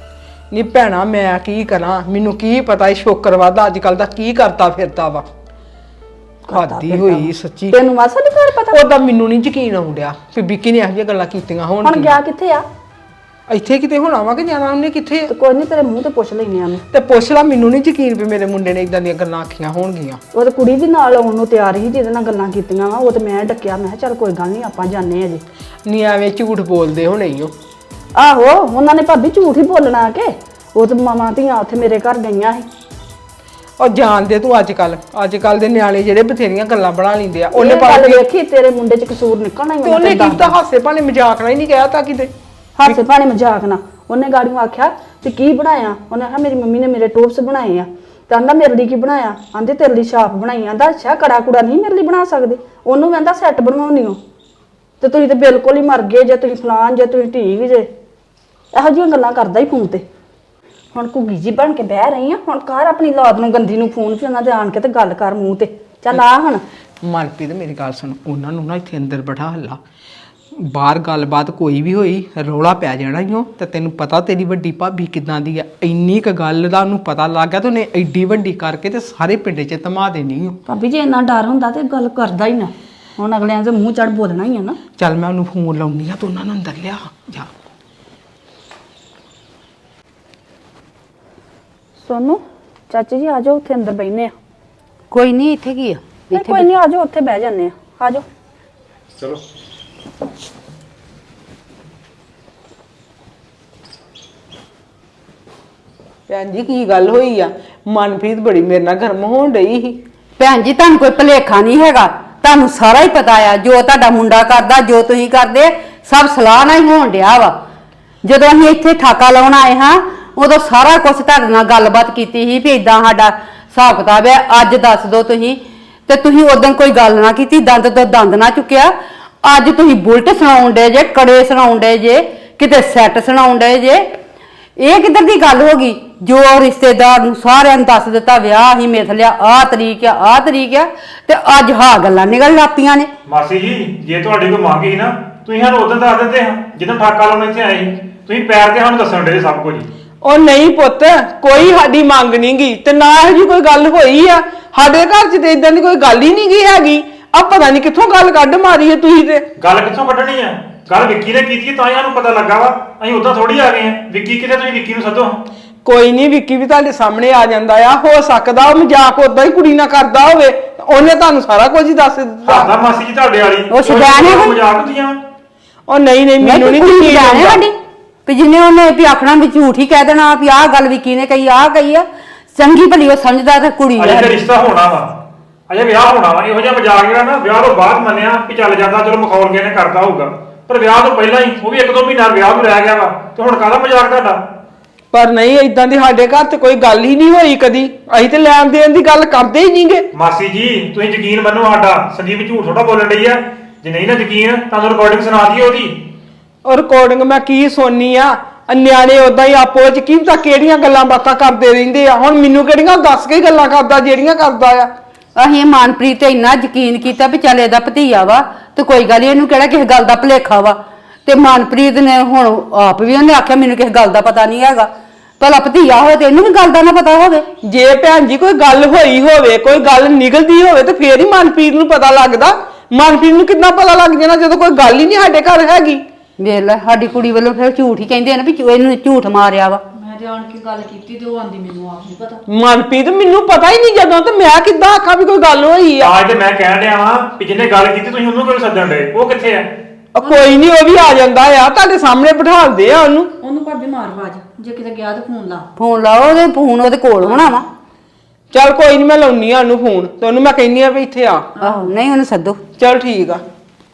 E: ਨੀ ਭੈਣਾ ਮੈਂ ਕੀ ਕਰਾਂ, ਮੈਨੂੰ ਕੀ ਪਤਾ ਇਹ ਸ਼ੋਕਰਵਾਦਾ ਅੱਜ ਕੱਲ ਦਾ ਕੀ ਕਰਤਾ ਫਿਰਦਾ ਵਾ। ਖਾਦੀ ਹੋਈ ਸੱਚੀ।
D: ਤੈਨੂੰ ਮਾਸਾ ਨਹੀਂ ਘਰ ਪਤਾ?
E: ਉਹਦਾ ਮੈਨੂੰ ਨਹੀਂ ਯਕੀਨ ਆਉਂਦਿਆ ਕਿ ਵਿੱਕੀ ਨੇ ਇਹੋ ਜਿਹੀਆਂ ਗੱਲਾਂ ਕੀਤੀਆਂ ਹੋਣ।
D: ਹੁਣ ਗਿਆ ਕਿੱਥੇ ਆ?
E: ਇੱਥੇ ਕਿਤੇ ਹੋਣਾ ਵਾ ਕਿ ਜਾਣਾ ਉਹਨੇ ਕਿੱਥੇ?
D: ਤੇ ਕੋਈ ਨਹੀਂ, ਤੇਰੇ ਮੂੰਹ ਤੇ ਪੁੱਛ ਲੈਨੇ ਆ ਮੈਂ।
E: ਤੇ ਪੁੱਛ ਲਾ, ਮੈਨੂੰ ਨਹੀਂ ਯਕੀਨ ਵੀ ਮੇਰੇ ਮੁੰਡੇ ਨੇ ਇਦਾਂ ਦੀਆਂ ਗੱਲਾਂ ਆਖੀਆਂ ਹੋਣਗੀਆਂ।
D: ਉਹ ਤੇ ਕੁੜੀ ਵੀ ਨਾਲ ਆਉਣ ਨੂੰ ਤਿਆਰ ਸੀ ਜਿਹਦੇ ਨਾਲ ਗੱਲਾਂ ਕੀਤੀਆਂ ਵਾ। ਉਹ ਤੇ ਮੈਂ ਡੱਕਿਆ, ਮੈਂ ਕਿਹਾ ਚੱਲ ਕੋਈ ਗੱਲ ਨਹੀਂ ਆਪਾਂ ਜਾਣੇ ਅਜੇ।
E: ਨੀ ਐਵੇਂ ਝੂਠ ਬੋਲਦੇ ਹੋਣੇ ਈ ਓ।
D: ਆਹੋ, ਉਹਨਾਂ ਨੇ ਭਾਬੀ ਝੂਠ ਹੀ ਬੋਲਣਾ ਕਿ ਉਹ ਤੇ ਮਾਵਾਂ ਧੀਆਂ ਉੱਥੇ ਮੇਰੇ ਘਰ ਗਈਆਂ ਸੀ।
E: ਉਹ ਜਾਣਦੇ ਤੂੰ ਅੱਜ ਕੱਲ ਅੱਜ ਕੱਲ ਦੇ ਨਿਆਣੇ ਜਿਹੜੇ ਬਥੇਰੀਆਂ ਗੱਲਾਂ ਬਣਾ ਲੈਂਦੇ ਆ। ਉਹਨੇ
D: ਉਹਨੇ ਗੱਲ
E: ਭਾਵੇਂ
D: ਵੇਖੀ ਤੇਰੇ ਮੁੰਡੇ 'ਚ ਕਸੂਰ ਨਿਕਲਣਾ ਹੀ।
E: ਤੇ ਉਹਨੇ ਕੀਤਾ ਹਾਸੇ ਭਾਣੇ ਮਜ਼ਾਕ ਨਾਲ ਹੀ ਨਹੀਂ ਕਿਹਾ ਤਾਂ ਕਿਤੇ।
D: ਹਾਸੇ ਭਾਣੇ ਮਜ਼ਾਕ ਨਾ ਉਹਨੇ ਗਾੜੀਆਂ ਆਖਿਆ ਤੇ ਕੀ ਬਣਾਇਆ? ਉਹਨੇ ਆਖਿਆ ਮੇਰੀ ਮੰਮੀ ਨੇ ਮੇਰੇ ਟੋਪਸ ਬਣਾਏ ਆ। ਤੇ ਆਂਦਾ ਮੇਰੇ ਲਈ ਕੀ ਬਣਾਇਆ? ਆਂਦੇ ਤੇਰੇ ਲਈ ਛਾਪ ਬਣਾਈ। ਆਂਦਾ ਅੱਛਾ, ਕੜਾ ਕੁੜਾ ਨਹੀਂ ਮੇਰੇ ਲਈ ਬਣਾ ਸਕਦੇ? ਉਹਨੂੰ ਕਹਿੰਦਾ ਸੈੱਟ ਬਣਵਾਉਣੀ ਹੋ ਤੇ ਤੁਸੀਂ ਤੇ ਬਿਲਕੁਲ ਹੀ ਮਰ ਗਏ ਜੇ, ਤੁਸੀਂ ਫਲਾਨ ਜੇ, ਤੁਸੀਂ ਠੀਕ ਜੇ। ਇਹੋ ਜਿਹੀਆਂ ਗੱਲਾਂ ਕਰਦਾ ਹੀ ਫੋਨ ਤੇ। ਹੁਣ ਘੁੱਗੀ ਜੀ ਬਣ ਕੇ ਬਹਿ ਰਹੀ ਆ, ਹੁਣ ਕਰ ਆਪਣੀ ਲਾਦ ਨੂੰ ਗੰਦੀ ਨੂੰ ਫੋਨ ਫਿਰ ਉਹਨਾਂ ਦੇ ਆਣ ਕੇ ਤੇ ਗੱਲ ਕਰ ਮੂੰਹ ਤੇ। ਚੱਲ ਆ ਹੁਣ।
E: ਮਨਪ੍ਰੀਤ ਮੇਰੀ ਗੱਲ ਸੁਣ, ਉਹਨਾਂ ਨੂੰ ਨਾ ਇੱਥੇ ਅੰਦਰ ਬਿਠਾ ਹੱਲਾ। ਬਾਹਰ ਗੱਲਬਾਤ ਕੋਈ ਵੀ ਹੋਈ ਰੌਲਾ ਪੈ ਜਾਣਾ ਈ ਓ। ਤੇ ਤੈਨੂੰ ਪਤਾ ਤੇਰੀ ਵੱਡੀ ਭਾਬੀ ਕਿਦਾਂ ਦੀ ਆ, ਇੰਨੀ ਕ ਗੱਲ ਦਾ ਉਹਨੂੰ ਪਤਾ ਲੱਗ ਗਿਆ ਤੇ ਉਹਨੇ ਐਡੀ ਵੱਡੀ ਕਰਕੇ ਤੇ ਸਾਰੇ ਪਿੰਡ 'ਚ ਧਮਾ ਦੇਣੀ ਓ।
D: ਭਾਬੀ ਜੇ ਇੰਨਾ ਡਰ ਹੁੰਦਾ ਤੇ ਗੱਲ ਕਰਦਾ ਹੀ ਨਾ। ਹੁਣ ਅਗਲਿਆਂ ਦੇ ਮੂੰਹ ਚੜ ਬੋਲਣਾ ਹੀ ਆ ਨਾ।
E: ਚੱਲ ਮੈਂ ਉਹਨੂੰ ਫੋਨ ਲਾਉਣੀ ਆ, ਤੂੰ ਉਹਨਾਂ ਨੂੰ ਅੰਦਰ ਲਿਆ ਜਾ।
D: ਸੋਨੂੰ, ਚਾਚੀ ਜੀ ਆ ਜਾਓ, ਉੱਥੇ ਅੰਦਰ ਬੈਠਨੇ ਆ।
A: ਕੋਈ ਨਹੀਂ, ਇੱਥੇ ਕੀ ਆ?
D: ਨਹੀਂ ਕੋਈ ਨਹੀਂ, ਆ ਜਾਓ, ਉੱਥੇ ਬਹਿ ਜਾਂਦੇ ਆ। ਆ ਜਾਓ।
B: ਚਲੋ
E: ਭੈਣ ਜੀ ਕੀ ਗੱਲ ਹੋਈ ਆ? ਮਨਪ੍ਰੀਤ ਬੜੀ ਮੇਰੇ ਨਾਲ ਗਰਮ ਹੋਣ ਡਈ ਸੀ।
A: ਭੈਣ ਜੀ, ਤੁਹਾਨੂੰ ਕੋਈ ਭੁਲੇਖਾ ਨਹੀਂ ਹੈਗਾ, ਤੁਹਾਨੂੰ ਸਾਰਾ ਹੀ ਪਤਾ ਆ। ਜੋ ਤੁਹਾਡਾ ਮੁੰਡਾ ਕਰਦਾ, ਜੋ ਤੁਸੀਂ ਕਰਦੇ, ਸਭ ਸਲਾਹ ਨਾਲ ਹੀ ਹੋਣ ਡਿਆ ਵਾ। ਜਦੋਂ ਅਸੀਂ ਇੱਥੇ ਠਾਕਾ ਲਾਉਣ ਆਏ ਹਾਂ, ਉਦੋਂ ਸਾਰਾ ਕੁਝ ਤੁਹਾਡੇ ਨਾਲ ਗੱਲਬਾਤ ਕੀਤੀ ਸੀ ਵੀ ਇਦਾਂ ਸਾਡਾ ਹਿਸਾਬ ਕਿਤਾਬ ਹੈ, ਅੱਜ ਦੱਸ ਦਿਓ ਤੁਸੀਂ। ਤੇ ਤੁਸੀਂ ਉਦੋਂ ਕੋਈ ਗੱਲ ਨਾ ਕੀਤੀ, ਦੰਦ ਤੋਂ ਦੰਦ ਨਾ ਚੁੱਕਿਆ। ਅੱਜ ਤੁਸੀਂ ਬੁਲਟ ਸੁਣਾਉਣ ਡੇ ਜੇ, ਕੜੇ ਸੁਣਾਉਣ ਡੇ ਜੇ, ਕਿਤੇ ਸੈੱਟ ਸੁਣਾਉਣ ਡੇ ਜੇ। ਇਹ ਕਿੱਧਰ ਦੀ ਗੱਲ ਹੋ ਗਈ? ਜੋ ਰਿਸ਼ਤੇਦਾਰ ਨੂੰ ਸਾਰਿਆਂ ਨੂੰ ਦੱਸ ਦਿੱਤਾ ਵਿਆਹ ਹੀ ਮਿਥ ਲਿਆ, ਆਹ ਤਰੀਕ ਆ, ਆਹ ਤਰੀਕ ਆ, ਤੇ ਅੱਜ ਹਾਂ ਗੱਲਾਂ ਨਿਕਲ ਲਾਪੀਆਂ ਨੇ।
B: ਮਾਸੀ ਜੀ, ਜੇ ਤੁਹਾਡੀ ਕੋਈ ਮੰਗ ਸੀ ਨਾ, ਤੁਸੀਂ ਸਾਨੂੰ ਉਦੋਂ ਦੱਸ ਦਿੰਦੇ ਹਾਂ ਜਦੋਂ ਠਾਕਾ ਲਾਉਣ ਇੱਥੇ ਆਏ ਸੀ। ਤੁਸੀਂ ਪੈਰ ਤੇ ਸਾਨੂੰ ਦੱਸਣ ਡੇ ਸਭ ਕੁਝ।
E: ਉਹ ਨਹੀਂ ਪੁੱਤ, ਕੋਈ ਸਾਡੀ ਮੰਗ ਨਹੀਂ ਗਈ ਤੇ ਨਾ ਇਹੋ ਜਿਹੀ ਕੋਈ ਗੱਲ ਹੋਈ ਆ। ਸਾਡੇ ਘਰ 'ਚ ਤੇ ਇਦਾਂ ਦੀ ਕੋਈ ਗੱਲ ਹੀ ਨਹੀਂ ਗਈ ਹੈਗੀ। ਆ ਪਤਾ ਨਹੀਂ ਕਿੱਥੋਂ ਗੱਲ ਕੱਢ ਮਾਰੀ ਹੈ ਤੁਸੀਂ ਤੇ।
B: ਗੱਲ ਕਿੱਥੋਂ ਕੱਢਣੀ ਆ? ਗੱਲ ਵਿੱਕੀ ਨੇ ਕੀਤੀ ਤਾਂ ਹੀ ਸਾਨੂੰ ਪਤਾ ਲੱਗਾ ਵਾ। ਅਸੀਂ ਉਦਾਂ ਥੋੜੀ ਆ ਗਏ ਆ। ਵਿੱਕੀ ਕਿਤੇ, ਤੁਸੀਂ ਵਿੱਕੀ ਨੂੰ ਸੱਦੋ।
E: ਕੋਈ ਨਹੀਂ, ਵਿੱਕੀ ਵੀ ਤੁਹਾਡੇ ਸਾਹਮਣੇ ਆ ਜਾਂਦਾ ਆ। ਹੋ ਸਕਦਾ ਉਹ ਮਜ਼ਾਕ ਉਦਾਂ ਹੀ ਕੁੜੀ ਨਾਲ ਕਰਦਾ ਹੋਵੇ, ਉਹਨੇ ਤੁਹਾਨੂੰ ਸਾਰਾ ਕੁਝ ਹੀ ਦੱਸ ਦਿੱਤਾ।
B: ਆਦਾ ਮਾਸੀ ਜੀ ਤੁਹਾਡੇ ਵਾਲੀ
A: ਉਹ ਸ਼ੁਦੈਣ ਹੈ ਕੋਈ?
B: ਮਜ਼ਾਕ ਹੁੰਦੀਆਂ।
E: ਉਹ ਨਹੀਂ ਨਹੀਂ, ਮੈਨੂੰ ਨਹੀਂ
A: ਕੁੜੀ
E: ਯਕੀਨ
A: ਜਾਣੇ
E: ਆਉਂਦਾ।
A: ਸਾਡੀ ਵੀ ਜਿੰਨੇ ਉਹਨੇ ਵੀ ਆਖਣਾ ਵੀ ਝੂਠ ਹੀ ਕਹਿ ਦੇਣਾ ਵੀ ਆਹ ਗੱਲ ਵਿੱਕੀ ਨੇ ਕਹੀ, ਆਹ ਕਹੀ ਆ। ਚੰਗੀ ਭਲੀ ਉਹ ਸਮਝਦਾ ਤੇ ਕੁੜੀ
B: ਅਜੇ
A: ਆ।
B: ਤੇ ਰਿਸ਼ਤਾ ਹੋਣਾ ਵਾ, ਅਜੇ ਵਿਆਹ ਹੋਣਾ ਵਾ। ਇਹੋ ਜਿਹਾ ਮਜ਼ਾਕ ਜਿਹੜਾ ਨਾ ਵਿਆਹ ਤੋਂ ਬਾਅਦ ਮੰਨਿਆ ਕਿ ਚੱਲ ਜਾਂਦਾ, ਚਲੋ ਮਖੌਲ ਕੇ ਨੇ ਕਰਦਾ ਹੋਊਗਾ, ਪਰ ਵਿਆਹ ਤੋਂ ਪਹਿਲਾਂ ਹੀ, ਉਹ ਵੀ ਇੱਕ ਦੋ ਮਹੀਨਾ ਵਿਆਹ ਨੂੰ ਰਹਿ ਗਿਆ ਵਾ, ਤੇ ਹੁਣ ਕਾਹਦਾ ਮਜ਼ਾਕ ਤੁਹਾਡਾ?
E: ਪਰ ਨਹੀਂ, ਇਦਾਂ ਦੀ ਸਾਡੇ ਘਰ 'ਚ ਕੋਈ ਗੱਲ ਹੀ ਨਹੀਂ ਹੋਈ ਕਦੀ। ਅਸੀਂ ਤੇ ਲੈਣ ਦੇਣ ਦੀ ਗੱਲ ਕਰਦੇ ਹੀ ਨਹੀਂਗੇ।
B: ਮਾਸੀ ਜੀ, ਤੁਸੀਂ ਯਕੀਨ ਮੰਨੋ ਸਾਡਾ, ਸੰਦੀਪ ਝੂਠ ਥੋੜਾ ਬੋਲਣ ਡਈ ਆ। ਜੇ ਨਹੀਂ ਨਾ ਯਕੀਨ, ਤੁਹਾਨੂੰ ਰਿਕਾਰਡਿੰਗ ਸੁਣਾ ਦਈਏ ਉਹਦੀ।
E: ਉਹ ਰਿਕਾਰਡਿੰਗ ਮੈਂ ਕੀ ਸੁਣਨੀ ਆ? ਨਿਆਣੇ ਉਦਾਂ ਹੀ ਆਪੋ ਚ ਕੀ ਪਤਾ ਕਿਹੜੀਆਂ ਗੱਲਾਂ ਬਾਤਾਂ ਕਰਦੇ ਰਹਿੰਦੇ ਆ। ਹੁਣ ਮੈਨੂੰ ਕਿਹੜੀਆਂ ਦੱਸ ਕੇ ਗੱਲਾਂ ਕਰਦਾ ਜਿਹੜੀਆਂ ਕਰਦਾ ਆ।
A: ਅਸੀਂ ਮਨਪ੍ਰੀਤ ਤੇ ਇੰਨਾ ਯਕੀਨ ਕੀਤਾ ਵੀ ਚੱਲ ਇਹਦਾ ਭਤੀਆ ਵਾ ਤੇ ਕੋਈ ਗੱਲ ਨੀ, ਇਹਨੂੰ ਕਿਹੜਾ ਕਿਸੇ ਗੱਲ ਦਾ ਭੁਲੇਖਾ ਵਾ। ਤੇ ਮਨਪ੍ਰੀਤ ਨੇ ਹੁਣ ਆਪ ਵੀ ਉਹਨੇ ਆਖਿਆ ਮੈਨੂੰ ਕਿਸੇ ਗੱਲ ਦਾ ਪਤਾ ਨਹੀਂ ਹੈਗਾ। ਭਲਾ ਭਤੀਆ ਹੋਵੇ ਤੇ ਇਹਨੂੰ ਵੀ ਗੱਲ ਦਾ ਨਾ ਪਤਾ ਹੋਵੇ।
E: ਜੇ ਭੈਣ ਜੀ ਕੋਈ ਗੱਲ ਹੋਈ ਹੋਵੇ, ਕੋਈ ਗੱਲ ਨਿਕਲਦੀ ਹੋਵੇ ਤੇ ਫੇਰ ਹੀ ਮਨਪ੍ਰੀਤ ਨੂੰ ਪਤਾ ਲੱਗਦਾ। ਮਨਪ੍ਰੀਤ ਨੂੰ ਕਿੰਨਾ ਪਤਾ ਲੱਗ ਜਾਣਾ ਜਦੋਂ ਕੋਈ ਗੱਲ ਹੀ ਨਹੀਂ ਸਾਡੇ ਘਰ ਹੈਗੀ।
A: ਵੇਖ ਲੈ, ਸਾਡੀ ਕੁੜੀ ਵੱਲੋਂ ਫਿਰ ਝੂਠ ਹੀ ਕਹਿੰਦੇ ਆ ਨਾ ਵੀ ਇਹਨੂੰ ਝੂਠ ਮਾਰਿਆ ਵਾ।
D: ਮੈਂ ਤੇ ਆਣ ਕੇ ਗੱਲ ਕੀਤੀ ਤੇ ਉਹ ਆਂਦੀ ਮੈਨੂੰ ਆਪ ਨਹੀਂ ਪਤਾ।
E: ਮਨਪ੍ਰੀਤ ਮੈਨੂੰ ਪਤਾ ਹੀ ਨਹੀਂ ਜਦੋਂ, ਤੇ ਮੈਂ ਕਿੱਦਾਂ ਆਖਾਂ ਵੀ ਕੋਈ ਗੱਲ ਹੋਈ ਆ।
B: ਅੱਜ ਤੇ ਮੈਂ ਕਹਿਣ ਡਿਆ ਵਾਂ ਵੀ ਜਿਹਨੇ ਗੱਲ ਕੀਤੀ ਤੁਸੀਂ ਉਹਨੂੰ ਕਿਉਂ ਸੱਦਣ ਡੇ? ਉਹ ਕਿੱਥੇ ਆ?
E: ਉਹ ਕੋਈ ਨਹੀਂ, ਉਹ ਵੀ ਆ ਜਾਂਦਾ ਆ, ਤੁਹਾਡੇ ਸਾਹਮਣੇ ਬਿਠਾਲਦੇ ਆ ਉਹਨੂੰ।
D: ਉਹਨੂੰ ਭਾਬੀ ਮਾਰ ਆਵਾਜ਼, ਜੇ ਕਿਤੇ ਗਿਆ ਤਾਂ ਫੋਨ ਲਾ।
A: ਫੋਨ ਲਾਓ, ਉਹਦੇ ਫੋਨ ਉਹਦੇ ਕੋਲ ਹੋਣਾ ਵਾ।
E: ਚੱਲ ਕੋਈ ਨਹੀਂ, ਮੈਂ ਲਾਉਣੀ ਆ ਉਹਨੂੰ ਫੋਨ ਤੇ ਉਹਨੂੰ ਮੈਂ ਕਹਿੰਨੀ ਆ ਵੀ ਇੱਥੇ ਆ।
A: ਆਹੋ, ਨਹੀਂ ਉਹਨੂੰ ਸੱਦੋ।
E: ਚੱਲ ਠੀਕ ਆ।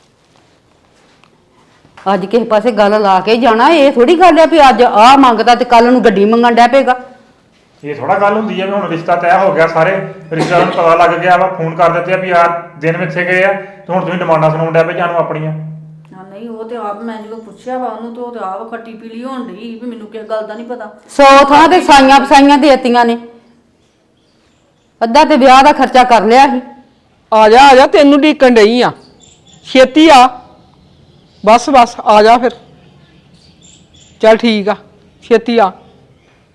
A: ਅੱਜ ਕਿਸੇ ਪਾਸੇ ਗੱਲ ਲਾ ਕੇ ਜਾਣਾ, ਇਹ ਥੋੜੀ ਗੱਲ ਆ ਵੀ ਅੱਜ ਆਹ ਮੰਗਦਾ ਤੇ ਕੱਲ ਨੂੰ ਗੱਡੀ ਮੰਗਣ ਡੈ ਪਏਗਾ।
B: ਇਹ ਥੋੜਾ ਗੱਲ ਹੁੰਦੀ ਆ ਵੀ ਹੁਣ ਰਿਸ਼ਤਾ ਤੈਅ ਹੋ ਗਿਆ, ਸਾਰੇ ਰਿਸ਼ਤੇਦਾਰਾਂ ਨੂੰ ਪਤਾ ਲੱਗ ਗਿਆ ਵਾ, ਫੋਨ ਕਰ ਦਿੱਤੇ ਆ ਵੀ ਯਾਰ ਦਿਨ ਵਿੱਥੇ ਗਏ ਆ ਤੇ ਹੁਣ ਤੁਸੀਂ ਡਿਮਾਂਡਾਂ ਸੁਣਾਉਣ ਡੈ ਪਏ ਜਾਨੂੰ ਆਪਣੀਆਂ।
D: ਹਾਂ ਨਹੀਂ, ਉਹ ਤੇ ਆਪ ਮੈਂ ਜਦੋਂ ਪੁੱਛਿਆ ਵਾ ਉਹਨੂੰ ਤੇ ਉਹ ਤੇ ਆਪ ਖੱਟੀ ਪੀਲੀ ਹੋਣ ਡਈ ਵੀ ਮੈਨੂੰ ਕਿਸ ਗੱਲ ਦਾ ਨਹੀਂ ਪਤਾ।
A: ਸੌ ਥਾਂ ਤੇ ਸਾਈਆਂ ਫਸਾਈਆਂ ਦੇਤੀਆਂ ਨੇ। ਅੱਧਾ ਤੇ ਵਿਆਹ ਦਾ ਖਰਚਾ ਕਰ ਲਿਆ ਸੀ।
E: ਆ ਜਾ ਆ ਜਾ, ਤੈਨੂੰ ਢੀਕਣ ਡਈ ਆ, ਛੇਤੀ ਆ। ਬਸ ਬਸ ਆ ਜਾ ਫਿਰ। ਚੱਲ ਠੀਕ ਆ, ਛੇਤੀ ਆ।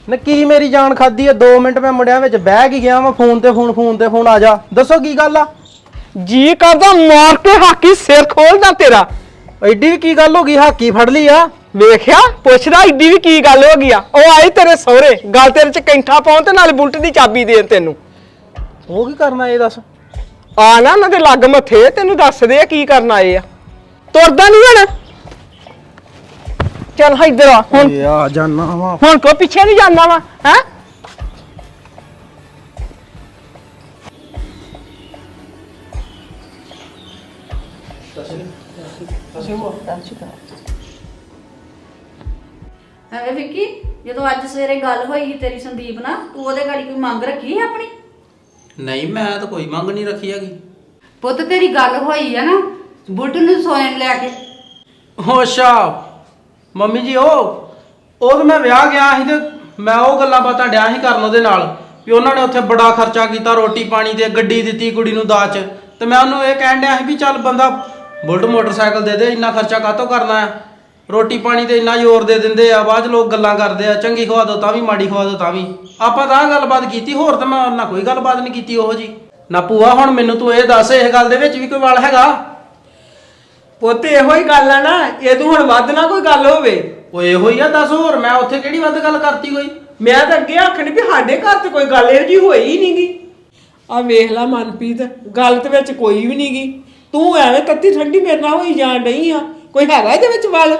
F: ਨਾ ਕੀ ਮੇਰੀ ਜਾਨ ਖਾਦੀ ਆ? ਦੋ ਮਿੰਟ ਮੈਂ ਮੁੰਡਿਆਂ ਵਿੱਚ ਬਹਿ ਕੇ ਗਿਆ ਵਾਂ, ਫੋਨ ਤੇ ਫੋਨ ਫੋਨ ਤੇ ਫੋਨ ਆ ਜਾ। ਦੱਸੋ ਕੀ ਗੱਲ ਆ?
E: ਜੀ ਕਰਦਾ ਮਾਰ ਕੇ ਹਾਕੀ ਸਿਰ ਖੋਲਦਾ ਤੇਰਾ।
F: ਐਡੀ ਵੀ ਕੀ ਗੱਲ ਹੋ ਗਈ? ਹਾਕੀ ਫੜ ਲਈ ਆ?
E: ਵੇਖਿਆ ਪੁੱਛਦਾ ਏਡੀ ਵੀ ਕੀ ਗੱਲ ਹੋ ਗਈ ਆ? ਉਹ ਆਈ ਤੇਰੇ ਸਹੁਰੇ, ਗੱਲ ਤੇਰੇ ਚ ਕੈਂਠਾ ਪਾਉਣ ਤੇ ਨਾਲ ਬੁਲਟ ਦੀ ਚਾਬੀ ਦੇਣ ਤੈਨੂੰ।
F: ਉਹ ਕੀ ਕਰਨਾ ਇਹ ਦੱਸ?
E: ਆ ਨਾ ਉਹਨਾਂ ਦੇ ਲੱਗ ਮੱਥੇ, ਤੈਨੂੰ ਦੱਸਦੇ ਆ ਕੀ ਕਰਨ ਆਏ ਆ। ਤੁਰਦਾ ਨਹੀਂ ਹੁਣ? ਚੱਲ ਇੱਧਰ ਆ ਹੁਣ।
F: ਏ ਆ ਜਾਨਾ ਵਾ।
E: ਹੁਣ ਕੋ ਪਿੱਛੇ ਨਹੀਂ ਜਾਂਦਾ ਵਾ ਹੈ?
D: ਐਵੇਂ ਵਿੱਕੀ, ਜਦੋਂ ਅੱਜ ਸਵੇਰੇ ਗੱਲ ਹੋਈ ਸੀ ਤੇਰੀ ਸੰਦੀਪ ਨਾਲ, ਤੂੰ ਉਹਦੇ ਗਾੜੀ ਕੋਈ ਮੰਗ ਰੱਖੀ ਹੈ ਆਪਣੀ?
G: ਨਹੀਂ ਮੈਂ ਤਾਂ ਕੋਈ ਮੰਗ ਨਹੀਂ ਰੱਖੀ ਹੈਗੀ।
A: ਪੁੱਤ ਤੇਰੀ ਗੱਲ ਹੋਈ ਆ ਨਾ ਬੁੱਟ ਨੂੰ ਸੋਨੇ ਲੈ ਕੇ।
F: ਓ ਅੱਛਾ ਮੰਮੀ ਜੀ, ਉਹ ਉਹ ਤਾਂ ਮੈਂ ਵਿਆਹ ਗਿਆ ਸੀ ਤੇ ਮੈਂ ਉਹ ਗੱਲਾਂ ਬਾਤਾਂ ਡਿਆ ਸੀ ਕਰਨ ਉਹਦੇ ਨਾਲ ਵੀ ਉਹਨਾਂ ਨੇ ਉੱਥੇ ਬੜਾ ਖਰਚਾ ਕੀਤਾ, ਰੋਟੀ ਪਾਣੀ ਤੇ ਗੱਡੀ ਦਿੱਤੀ ਕੁੜੀ ਨੂੰ ਦਾਜ ਚ। ਤੇ ਮੈਂ ਉਹਨੂੰ ਇਹ ਕਹਿਣ ਡਿਆ ਸੀ ਵੀ ਚੱਲ ਬੰਦਾ ਬੁਲਟ ਮੋਟਰਸਾਈਕਲ ਦੇ ਦੇ, ਇੰਨਾ ਖਰਚਾ ਕਾਹਤੋਂ ਕਰਨਾ ਹੈ? ਰੋਟੀ ਪਾਣੀ ਤੇ ਇੰਨਾ ਜ਼ੋਰ ਦੇ ਦਿੰਦੇ ਆ, ਬਾਅਦ ਚ ਲੋਕ ਗੱਲਾਂ ਕਰਦੇ ਆ, ਚੰਗੀ ਖਵਾ ਦੋ ਤਾਂ ਵੀ ਮਾੜੀ ਖਵਾ ਦੋ ਤਾਂ ਵੀ। ਆਪਾਂ ਤਾਂ ਆਹ ਗੱਲਬਾਤ ਕੀਤੀ, ਹੋਰ ਤਾਂ ਮੈਂ ਉਹਨਾਂ ਕੋਈ ਗੱਲਬਾਤ ਨਹੀਂ ਕੀਤੀ ਉਹੋ ਜੀ। ਨਾ ਭੂਆ, ਹੁਣ ਮੈਨੂੰ ਤੂੰ ਇਹ ਦੱਸ, ਇਸ ਗੱਲ ਦੇ ਵਿੱਚ ਵੀ ਕੋਈ ਵਾਲ ਹੈਗਾ?
E: ਪੁੱਤ ਇਹੋ ਹੀ ਗੱਲ ਆ ਨਾ, ਇਹ ਤੂੰ ਹੁਣ ਵੱਧ ਨਾ ਕੋਈ ਗੱਲ ਹੋਵੇ।
F: ਉਹ ਇਹੋ ਹੀ ਆ, ਦੱਸ ਹੋਰ ਮੈਂ ਉੱਥੇ ਕਿਹੜੀ ਵੱਧ ਗੱਲ ਕਰਤੀ ਕੋਈ?
E: ਮੈਂ ਤਾਂ ਅੱਗੇ ਆਖਣੀ ਵੀ ਸਾਡੇ ਘਰ ਤੇ ਕੋਈ ਗੱਲ ਇਹੋ ਜੀ ਹੋਈ ਹੀ ਨਹੀਂਗੀ। ਆ ਵੇਖ ਲੈ ਮਨਪ੍ਰੀਤ, ਗੱਲ ਤੇ ਵਿੱਚ ਕੋਈ ਵੀ ਨਹੀਂਗੀ। ਤੂੰ ਐਵੇਂ ਤੱਤੀ ਠੰਡੀ ਮੇਰੇ ਨਾਲ ਹੋਈ ਜਾਣ ਡਈ ਆ। ਕੋਈ ਹੈਗਾ ਇਹਦੇ ਵਿੱਚ ਵੱਲ?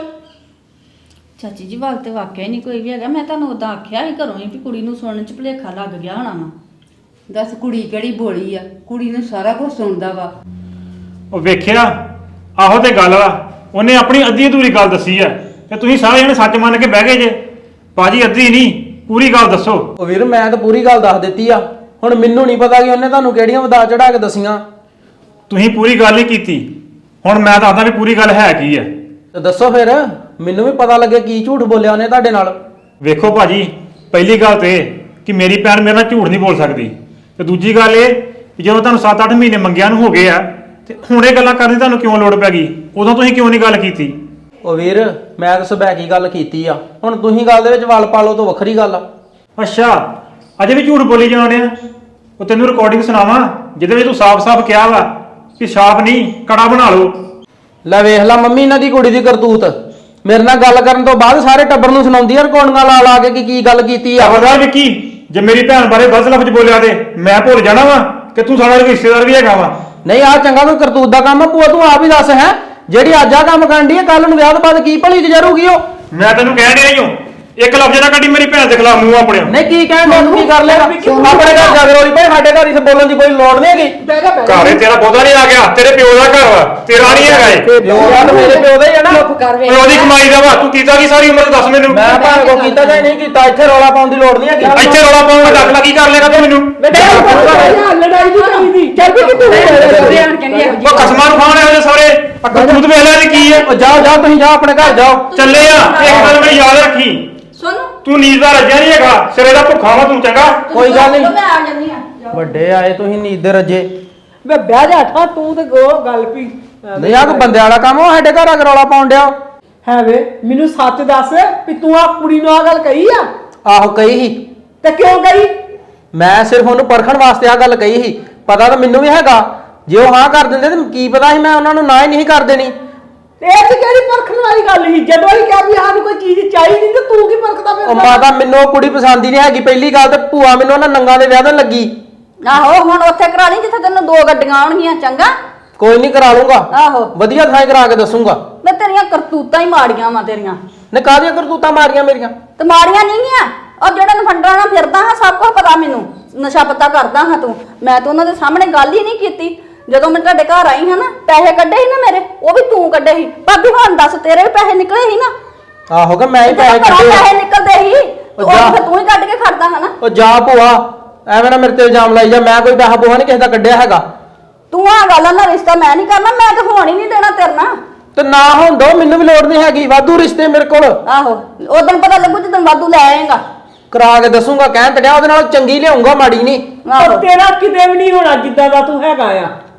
D: ਚਾਚੀ ਜੀ ਵੱਲ ਤੇ ਵਾਕਿਆ ਨਹੀਂ ਕੋਈ ਵੀ ਹੈਗਾ। ਮੈਂ ਤੁਹਾਨੂੰ ਉਦਾਂ ਆਖਿਆ ਸੀ ਘਰੋਂ ਹੀ ਵੀ ਕੁੜੀ ਨੂੰ ਸੁਣਨ ਚ ਭੁਲੇਖਾ ਲੱਗ ਗਿਆ ਹੋਣਾ ਵਾ।
A: ਦੱਸ ਕੁੜੀ ਕਿਹੜੀ ਭੋਲੀ ਆ, ਕੁੜੀ ਨੂੰ ਸਾਰਾ ਕੁਝ ਸੁਣਦਾ ਵਾ।
B: ਉਹ ਵੇਖਿਆ, ਆਹੋ ਤੇ ਗੱਲ ਵਾ। ਉਹਨੇ ਆਪਣੀ ਅੱਧੀ ਅਧੂਰੀ ਗੱਲ ਦੱਸੀ ਆ ਤੇ ਤੁਸੀਂ ਸਾਰੇ ਜਣੇ ਸੱਚ ਮੰਨ ਕੇ ਬਹਿ ਗਏ ਜੇ। ਬਾਜੀ ਅੱਧੀ ਨਹੀਂ, ਪੂਰੀ ਗੱਲ ਦੱਸੋ।
F: ਉਹ ਵੀਰ ਮੈਂ ਤਾਂ ਪੂਰੀ ਗੱਲ ਦੱਸ ਦਿੱਤੀ ਆ। ਹੁਣ ਮੈਨੂੰ ਨਹੀਂ ਪਤਾ ਕਿ ਉਹਨੇ ਤੁਹਾਨੂੰ ਕਿਹੜੀਆਂ ਵਧਾ ਚੜਾ ਕੇ ਦਸੀਆਂ।
B: ਤੁਸੀਂ ਪੂਰੀ ਗੱਲ ਹੀ ਕੀਤੀ, ਹੁਣ ਮੈਂ ਦੱਸਦਾ ਵੀ ਪੂਰੀ ਗੱਲ ਹੈ ਕੀ ਆ।
F: ਤੇ ਦੱਸੋ ਫਿਰ, ਮੈਨੂੰ ਵੀ ਪਤਾ ਲੱਗੇ ਕੀ ਝੂਠ ਬੋਲਿਆ ਉਹਨੇ ਤੁਹਾਡੇ ਨਾਲ।
B: ਵੇਖੋ ਭਾਜੀ, ਪਹਿਲੀ ਗੱਲ ਤੇ ਇਹ ਕਿ ਮੇਰੀ ਭੈਣ ਮੇਰੇ ਨਾਲ ਝੂਠ ਨਹੀਂ ਬੋਲ ਸਕਦੀ, ਤੇ ਦੂਜੀ ਗੱਲ ਇਹ ਕਿ ਜਦੋਂ ਤੁਹਾਨੂੰ ਸੱਤ ਅੱਠ ਮਹੀਨੇ ਮੰਗਿਆ ਨੂੰ ਹੋ ਗਏ ਆ ਤੇ ਹੁਣ ਇਹ ਗੱਲਾਂ ਕਰਨ ਦੀ ਤੁਹਾਨੂੰ ਕਿਉਂ ਲੋੜ ਪੈ ਗਈ? ਉਦੋਂ ਤੁਸੀਂ ਕਿਉਂ ਨਹੀਂ ਗੱਲ ਕੀਤੀ?
F: ਉਹ ਵੀਰ ਮੈਂ ਤਾਂ ਸਬੈਕੀ ਗੱਲ ਕੀਤੀ ਆ, ਹੁਣ ਤੁਸੀਂ ਗੱਲ ਦੇ ਵਿੱਚ ਵਲ ਪਾ ਲਓ ਤਾਂ ਵੱਖਰੀ ਗੱਲ ਆ।
B: ਅੱਛਾ, ਅਜੇ ਵੀ ਝੂਠ ਬੋਲੀ ਜਾਂਦੇ ਆ। ਉਹ ਤੈਨੂੰ ਰਿਕਾਰਡਿੰਗ ਸੁਣਾਵਾਂ ਜਿਹਦੇ ਵਿੱਚ ਤੂੰ ਸਾਫ਼-ਸਾਫ਼ ਕਿਹਾ ਵਾ ਕਿ ਛਾਪ ਨਹੀਂ ਕੜਾ ਬਣਾ ਲਓ।
F: ਲੈ ਵੇਖ ਲਾ ਮੰਮੀ ਇਹਨਾਂ ਦੀ ਕੁੜੀ ਦੀ ਕਰਤੂਤ, ਮੇਰੇ ਨਾਲ ਗੱਲ ਕਰਨ ਤੋਂ ਬਾਅਦ ਸਾਰੇ ਟੱਬਰ ਨੂੰ ਸੁਣਾਉਂਦੀ ਆ ਰਿਕਾਰਡਿੰਗਾਂ ਲਾ ਲਾ ਕੇ ਕਿ ਕੀ ਗੱਲ ਕੀਤੀ ਆ।
B: ਖਬਰਦਾਰ ਵਿੱਕੀ, ਜੇ ਮੇਰੀ ਭੈਣ ਬਾਰੇ ਗਲਤ ਲਫ਼ਜ਼ ਬੋਲਿਆ ਤੇ ਮੈਂ ਭੁੱਲ ਜਾਣਾ ਵਾ ਕਿ ਤੂੰ ਸਾਡਾ ਰਿਸ਼ਤੇਦਾਰ ਵੀ ਹੈਗਾ ਵਾ।
F: ਨਹੀਂ ਆ ਚੰਗਾ ਕੋਈ ਕਰਤੂਤ ਦਾ ਕੰਮ ਆ ਭੂਆ, ਤੂੰ ਆਪ ਹੀ ਦੱਸ ਹੈ ਜਿਹੜੀ ਅੱਜ ਆ ਕੰਮ ਕਰਨ ਦੀ ਹੈ ਕੱਲ ਨੂੰ ਵਿਆਹ ਤੋਂ ਬਾਅਦ ਕੀ ਭਲੀ ਗੁਜ਼ਰੂਗੀ ਉਹ?
B: ਮੈਂ ਤੈਨੂੰ ਕਹਿ ਨਹੀਂ ਰਹੀ ਹਾਂ, ਇੱਕ ਲਫ਼ਜ਼ ਨਾ ਕੱਢੀ ਮੇਰੀ ਭੈਣ ਦੇ ਖਿਲਾਫ ਮੂੰਹ ਆਪਣੇ।
F: ਨਹੀਂ ਕੀ ਕਹਿਣ ਦੇ, ਤੂੰ ਕੀ ਕਰ ਲੇਗਾ? ਆਪਣੇ ਘਰ ਜਾ ਕੇ ਰੋਲੀ ਭਾਈ, ਸਾਡੇ ਘਰ ਇਸ ਬੋਲਣ ਦੀ ਕੋਈ ਲੋੜ ਨਹੀਂ ਹੈਗੀ।
B: ਘਰੇ ਤੇਰਾ ਬਹੁਤਾ ਨਹੀਂ ਆ ਗਿਆ, ਤੇਰੇ ਪਿਓ ਦਾ ਘਰ ਵਾ, ਤੇਰਾ ਨਹੀਂ ਹੈਗਾ ਇਹ।
F: ਪਿਓ ਦਾ ਤਾਂ ਮੇਰੇ ਪਿਓ ਦਾ ਹੀ ਹੈ ਨਾ।
B: ਪਿਓ ਦੀ ਕਮਾਈ ਦਾ ਵਾ, ਤੂੰ ਕੀਤਾ ਕੀ ਸਾਰੀ ਉਮਰ ਦੱਸ ਮੈਨੂੰ।
F: ਮੈਂ ਭਾਵੇਂ ਕੋ ਕੀਤਾ ਜਾਂ ਨਹੀਂ ਕੀਤਾ, ਇੱਥੇ ਰੌਲਾ ਪਾਉਣ ਦੀ ਲੋੜ ਨਹੀਂ ਹੈਗੀ।
B: ਇੱਥੇ ਰੌਲਾ ਪਾਉਂਗਾ ਦੱਸ ਲਾ ਕੀ ਕਰ ਲੇਗਾ ਤੂੰ ਮੈਨੂੰ?
E: ਲੜਾਈ ਦੀ ਕਰੀ ਦੀ ਚੱਲ ਵੀ ਕਿੱਥੇ
B: ਉਹ ਕਸਮਾਂ ਨੂੰ ਖਾਣ ਆਏ ਸਾਰੇ ਅੱਖਾਂ ਤੂੰ ਵੇਖ ਲੈ ਕੀ ਹੈ।
F: ਉਹ ਜਾਓ ਜਾਓ ਤੁਸੀਂ ਜਾਓ ਆਪਣੇ ਘਰ ਜਾਓ।
B: ਚੱਲੇ ਆ, ਇੱਕ ਗੱਲ ਮੇਰੀ ਯਾਦ ਰੱਖੀ,
D: ਸੁਣ
B: ਤੂੰ ਨੀਂਦ ਦਾ ਰੱਜਿਆ ਨਹੀਂ ਹੈਗਾ, ਸਿਰੇ ਦਾ ਭੁੱਖਾ ਵਾ ਤੂੰ। ਚੰਗਾ
F: ਕੋਈ ਗੱਲ ਨਹੀਂ,
D: ਮੈਂ ਆ ਜਾਂਦੀ ਆ।
F: ਵੱਡੇ ਆਏ ਤੁਸੀਂ ਨੀਂਦ ਦੇ ਰੱਜੇ।
E: ਮੈਂ ਬਹਿ ਜਾ ਠਾ, ਤੂੰ ਤੇ ਗੋ ਗੱਲ ਪੀ
F: ਨਹੀਂ ਆ ਕੋ ਬੰਦੇ ਵਾਲਾ ਕੰਮ ਉਹ ਸਾਡੇ ਘਰ ਆ ਕੇ ਰੌਲਾ ਪਾਉਣ ਡਿਆ।
E: ਹੈ ਵੇ ਮੈਨੂੰ ਸੱਚ ਦੱਸ ਵੀ ਤੂੰ ਆ ਕੁੜੀ ਨੂੰ ਆ ਗੱਲ ਕਹੀ ਆ?
F: ਆਹੋ ਕਹੀ ਸੀ,
E: ਤੇ ਕਿਉਂ ਕਹੀ?
F: ਮੈਂ ਸਿਰਫ ਉਹਨੂੰ ਪਰਖਣ ਵਾਸਤੇ ਆ ਗੱਲ ਕਹੀ ਸੀ। ਪਤਾ ਤਾਂ ਮੈਨੂੰ ਵੀ ਹੈਗਾ ਜੇ ਉਹ ਹਾਂ ਕਰ ਦਿੰਦੇ ਤੇ ਕੀ ਪਤਾ ਸੀ ਮੈਂ ਉਹਨਾਂ ਨੂੰ ਨਾ ਹੀ ਨਹੀਂ ਕਰ ਦੇਣੀ।
E: ਇਹ ਤੇ ਕਿਹੜੀ ਪਰਖਣ ਵਾਲੀ ਗੱਲ ਸੀ? ਜਦੋਂ ਹੀ ਕਿਹਾ ਵੀ ਸਾਨੂੰ ਕੋਈ ਚੀਜ਼ ਚਾਹੀਦੀ ਤੇ ਤੂੰ ਕੀ ਪਰਖਦਾ
F: ਉਹ
E: ਫਿਰਦਾ?
F: ਮਾਤਾ ਮੈਨੂੰ ਉਹ ਕੁੜੀ ਪਸੰਦ ਹੀ ਨਹੀਂ ਹੈਗੀ ਪਹਿਲੀ ਗੱਲ, ਤੇ ਭੂਆ ਮੈਨੂੰ ਉਹਨਾਂ ਨੰਗਾ ਦੇ ਵਿਆਹ ਤੋਂ ਲੱਗੀ।
D: ਆਹੋ ਹੁਣ ਉੱਥੇ ਕਰਾ ਲਈ ਜਿੱਥੇ ਤੈਨੂੰ ਦੋ ਗੱਡੀਆਂ ਆਉਣਗੀਆਂ। ਚੰਗਾ
F: ਕੋਈ ਨਹੀਂ ਕਰਾ ਲੂੰਗਾ,
D: ਆਹੋ
F: ਵਧੀਆ ਥਾਂ ਕਰਾ ਕੇ ਦੱਸੂਗਾ।
D: ਮੈਂ ਤੇਰੀਆਂ ਕਰਤੂਤਾਂ ਹੀ ਮਾੜੀਆਂ ਵਾ ਤੇਰੀਆਂ।
F: ਨੇ ਕਾਹਦੀਆਂ ਕਰਤੂਤਾਂ ਮਾਰੀਆਂ ਮੇਰੀਆਂ?
D: ਤੇ ਮਾੜੀਆਂ ਨਹੀਂ ਗੀਆਂ, ਉਹ ਜਿਹੜਾ ਨਫੰਡਰਾਂ ਨਾਲ ਫਿਰਦਾ ਹਾਂ ਸਭ ਕੁਝ ਪਤਾ ਮੈਨੂੰ, ਨਸ਼ਾ ਪਤਾ ਕਰਦਾ ਹਾਂ ਤੂੰ। ਮੈਂ ਤਾਂ ਉਹਨਾਂ ਦੇ ਸਾਹਮਣੇ ਗੱਲ ਹੀ ਨਹੀਂ ਕੀਤੀ। ਜਦੋਂ ਮੈਂ ਤੁਹਾਡੇ ਘਰ ਆਈ ਹਾਂ ਨਾ, ਪੈਸੇ ਕੱਢੇ ਸੀ ਨਾ ਮੇਰੇ, ਉਹ ਵੀ ਤੂੰ ਕੱਢੇ ਸੀ। ਭਾਬੀ ਹੁਣ ਦੱਸ, ਤੇਰੇ ਵੀ ਪੈਸੇ ਨਿਕਲੇ ਸੀ ਨਾ?
F: ਆਹੋ ਕਿ ਮੈਂ ਹੀ ਪੈਸੇ
D: ਜਦੋਂ ਘਰੋਂ
F: ਕੱਢੇ
D: ਪੈਸੇ
F: ਆ।
D: ਨਿਕਲਦੇ ਸੀ ਉਹ
F: ਜਾ।
D: ਫਿਰ ਤੂੰ ਹੀ ਕੱਢ ਕੇ ਖੜਦਾ ਹੈ ਨਾ।
F: ਉਹ ਜਾ ਭੂਆ, ਐਵੇਂ ਨਾ ਮੇਰੇ ਤੇ ਇਲਜ਼ਾਮ ਲਾਈ ਜਾ। ਮੈਂ ਕੋਈ ਪੈਸਾ ਪੂਹਾ ਨਹੀਂ ਕਿਸੇ ਦਾ ਕੱਢਿਆ ਹੈਗਾ।
D: ਤੂੰ ਆ ਗੱਲ ਨਾਲ ਰਿਸ਼ਤਾ ਮੈਂ ਨਹੀਂ ਕਰਨਾ, ਮੈਂ ਤਾਂ ਹੋਣ ਹੀ ਨਹੀਂ ਦੇਣਾ ਤੇਰੇ ਨਾਲ।
F: ਤੇ ਨਾ ਹੋਣ ਦੋ, ਮੈਨੂੰ ਵੀ ਲੋੜ ਨਹੀਂ ਹੈਗੀ, ਵਾਧੂ ਰਿਸ਼ਤੇ ਮੇਰੇ ਕੋਲ।
D: ਆਹੋ ਉਦੋਂ ਪਤਾ ਲੱਗੂ ਜਦੋਂ ਵਾਧੂ ਲੈ ਆਏਗਾ।
F: ਕਰਾ ਕੇ ਦੱਸੂਗਾ, ਕਹਿਣ ਤੜਿਆ ਉਹਦੇ ਨਾਲ ਚੰਗੀ ਲਿਆਉਂਗਾ, ਮਾੜੀ ਨਹੀਂ।
D: ਆਹੋ
E: ਤੇਰਾ ਕਿਤੇ ਵੀ ਨਹੀਂ ਹੋਣਾ ਜਿੱਦਾਂ ਦਾ ਤੂੰ ਹੈਗਾ ਆ।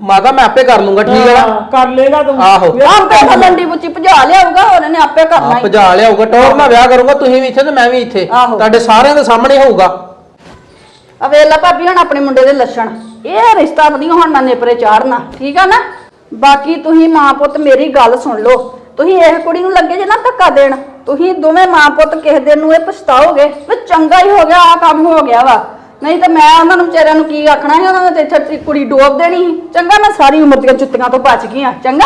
F: ਮਾਤਾ ਮੈਂ ਆਪੇ ਕਰ ਲੂੰਗਾ ਠੀਕ ਹੈ ਨਾ
E: ਕਰ ਲੇਗਾ ਤੂੰ
F: ਆਹੋ
D: ਆਪੇ ਫਲੰਡੀ ਬੁੱਚੀ ਭਜਾ ਲਿਆਊਗਾ ਉਹਨਾਂ ਨੇ ਆਪੇ ਕਰਨਾ
F: ਆ
D: ਹੀ
F: ਭਜਾ ਲਿਆਊਗਾ ਟੌਰ ਨਾਲ ਵਿਆਹ ਕਰੂੰਗਾ ਤੁਸੀਂ ਵੀ ਇੱਥੇ ਤੇ ਮੈਂ ਵੀ ਇੱਥੇ
D: ਆਹੋ।
F: ਤੁਹਾਡੇ ਸਾਰਿਆਂ ਦੇ ਸਾਹਮਣੇ ਹੋਊਗਾ
D: ਆ ਵੇਲਾ ਭਾਬੀ ਹੁਣ ਆਪਣੇ ਮੁੰਡੇ ਦੇ ਲੱਛਣ ਇਹ ਰਿਸ਼ਤਾ ਨਹੀਂ ਹੁਣ ਨਾ ਨੇਪਰੇ ਚਾੜਨਾ ਠੀਕ ਆ ਨਾ ਬਾਕੀ ਤੁਸੀਂ ਮਾਂ ਪੁੱਤ ਮੇਰੀ ਗੱਲ ਸੁਣ ਲਓ ਤੁਸੀਂ ਇਹ ਕੁੜੀ ਨੂੰ ਲੱਗੇ ਜੇ ਨਾ ਧੱਕਾ ਦੇਣ ਤੁਸੀਂ ਦੋਵੇਂ ਮਾਂ ਪੁੱਤ ਕਿਸੇ ਦਿਨ ਨੂੰ ਇਹ ਪਛਤਾਓਗੇ ਵੀ ਚੰਗਾ ਹੀ ਹੋ ਗਿਆ ਆ ਕੰਮ ਹੋ ਗਿਆ ਵਾ ਨਹੀਂ ਤਾਂ ਮੈਂ ਉਹਨਾਂ ਨੂੰ ਵਿਚਾਰਿਆਂ ਨੂੰ ਕੀ ਆਖਣਾ ਸੀ ਉਹਨਾਂ ਨੇ ਤੇ ਇੱਥੇ ਕੁੜੀ ਡੋਬ ਦੇਣੀ ਸੀ ਚੰਗਾ ਮੈਂ ਸਾਰੀ ਉਮਰ ਦੀਆਂ ਜੁੱਤੀਆਂ ਤੋਂ ਬਚ ਗਈ ਆ ਚੰਗਾ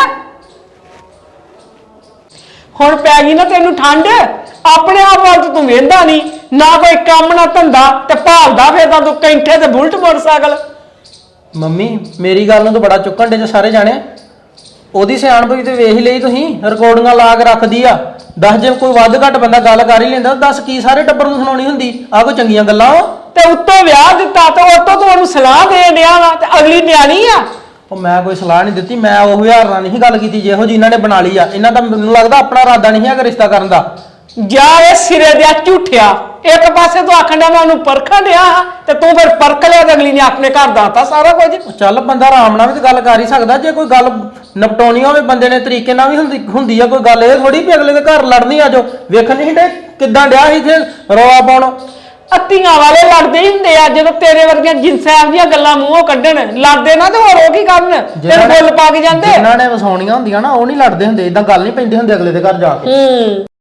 E: ਹੁਣ ਪੈ ਗਈ ਨਾ ਤੈਨੂੰ ਠੰਡ ਆਪਣੇ ਆਪ ਵੱਲ ਤਾਂ ਤੂੰ ਵੇਂਦਾ ਨਹੀਂ ਨਾ ਕੋਈ ਕੰਮ ਨਾ ਧੰਦਾ ਤੇ ਭਾਲਦਾ ਫਿਰਦਾ ਤੂੰ ਕੈਂਠੇ ਤੇ ਬੁਲਟ ਮੋਟਰਸਾਈਕਲ
F: ਮੰਮੀ ਮੇਰੀ ਗੱਲ ਨੂੰ ਤਾਂ ਬੜਾ ਚੁੱਕਣ ਡੇ ਜੇ ਸਾਰੇ ਜਾਣੇ ਉਹਦੀ ਸਿਆਣਪ ਵੀ ਤੇ ਵੇਖ ਹੀ ਲਈ ਤੁਸੀਂ ਰਿਕਾਰਡਿੰਗਾਂ ਲਾ ਕੇ ਰੱਖਦੀ ਆ ਦੱਸ ਜੇ ਕੋਈ ਵੱਧ ਘੱਟ ਬੰਦਾ ਗੱਲ ਕਰ ਹੀ ਲੈਂਦਾ ਦੱਸ ਕੀ ਸਾਰੇ ਟੱਬਰ ਨੂੰ ਸੁਣਾਉਣੀ ਹੁੰਦੀ ਆ ਕੋਈ ਚੰਗੀਆਂ ਗੱਲਾਂ ਵਾ
E: ਤੇ ਉੱਤੋਂ ਵਿਆਹ ਦਿੱਤਾ ਤੇ ਉੱਤੋਂ ਤੂੰ ਉਹਨੂੰ ਸਲਾਹ ਦੇਣ ਡਿਆ ਵਾ ਤੇ ਅਗਲੀ ਨਿਆਣੀ ਆ
F: ਉਹ ਮੈਂ ਕੋਈ ਸਲਾਹ ਨਹੀਂ ਦਿੱਤੀ ਮੈਂ ਉਹ ਹਜ਼ਾਰ ਨਾਲ ਨਹੀਂ ਗੱਲ ਕੀਤੀ ਜਿਹੋ ਜੀ ਇਹਨਾਂ ਨੇ ਬਣਾ ਲਈ ਆ ਇਹਨਾਂ ਦਾ ਮੈਨੂੰ ਲੱਗਦਾ ਆਪਣਾ ਇਰਾਦਾ ਨਹੀਂ ਹੈਗਾ ਰਿਸ਼ਤਾ ਕਰਨ ਦਾ
E: ਜਾ ਇਹ ਸਿਰੇ ਦੇ ਝੂਠਿਆ ਇੱਕ ਪਾਸੇ ਤੂੰ ਆਖਣ ਡਿਆ ਮੈਂ ਉਹਨੂੰ ਪਰਖਣ ਡਿਆ ਤੇ ਤੂੰ ਫਿਰ ਪਰਖ ਲਿਆ ਤੇ ਅਗਲੀ ਨੇ ਆਪਣੇ ਘਰ ਦਾਤਾ ਸਾਰਾ ਕੁਝ
F: ਉਹ ਚੱਲ ਬੰਦਾ ਆਰਾਮ ਨਾਲ ਵੀ ਤਾਂ ਗੱਲ ਕਰ ਹੀ ਸਕਦਾ ਜੇ ਕੋਈ ਗੱਲ ਨਿਪਟਾਉਣੀ ਹੋਵੇ ਬੰਦੇ ਨੇ ਤਰੀਕੇ ਨਾਲ ਵੀ ਹੁੰਦੀ ਹੁੰਦੀ ਆ ਕੋਈ ਗੱਲ ਇਹ ਥੋੜੀ ਵੀ ਅਗਲੇ ਦੇ ਘਰ ਲੜਨੀ ਆ ਜੋ ਵੇਖਣ ਨਹੀਂ ਡੇ ਕਿੱਦਾਂ ਡਿਆ ਸੀ ਇੱਥੇ ਰੌਲਾ ਪਾਉਣ
E: ਅੱਤੀਆਂ ਵਾਲੇ ਲੜਦੇ ਹੀ ਹੁੰਦੇ ਆ ਜਦੋਂ ਤੇਰੇ ਵਰਗੀਆਂ ਜਿੰਸਾਂ ਦੀਆਂ ਗੱਲਾਂ ਮੂੰਹੋਂ ਕੱਢਣ ਲੜਦੇ ਨਾ ਤੇ ਹੋਰ ਉਹ ਕੀ ਕਰਨ ਤੇਰੇ ਬੁੱਲ ਪਾ ਕੇ ਜਾਂਦੇ
F: ਜਿਨ੍ਹਾਂ ਨੇ ਵਸਾਉਣੀਆਂ ਹੁੰਦੀਆਂ ਨਾ ਉਹ ਨਹੀਂ ਲੜਦੇ ਹੁੰਦੇ ਇਦਾਂ ਗੱਲ ਨਹੀਂ ਪੈਂਦੀ ਹੁੰਦੀ ਅਗਲੇ ਦੇ ਘਰ ਜਾ ਕੇ
E: ਹੂੰ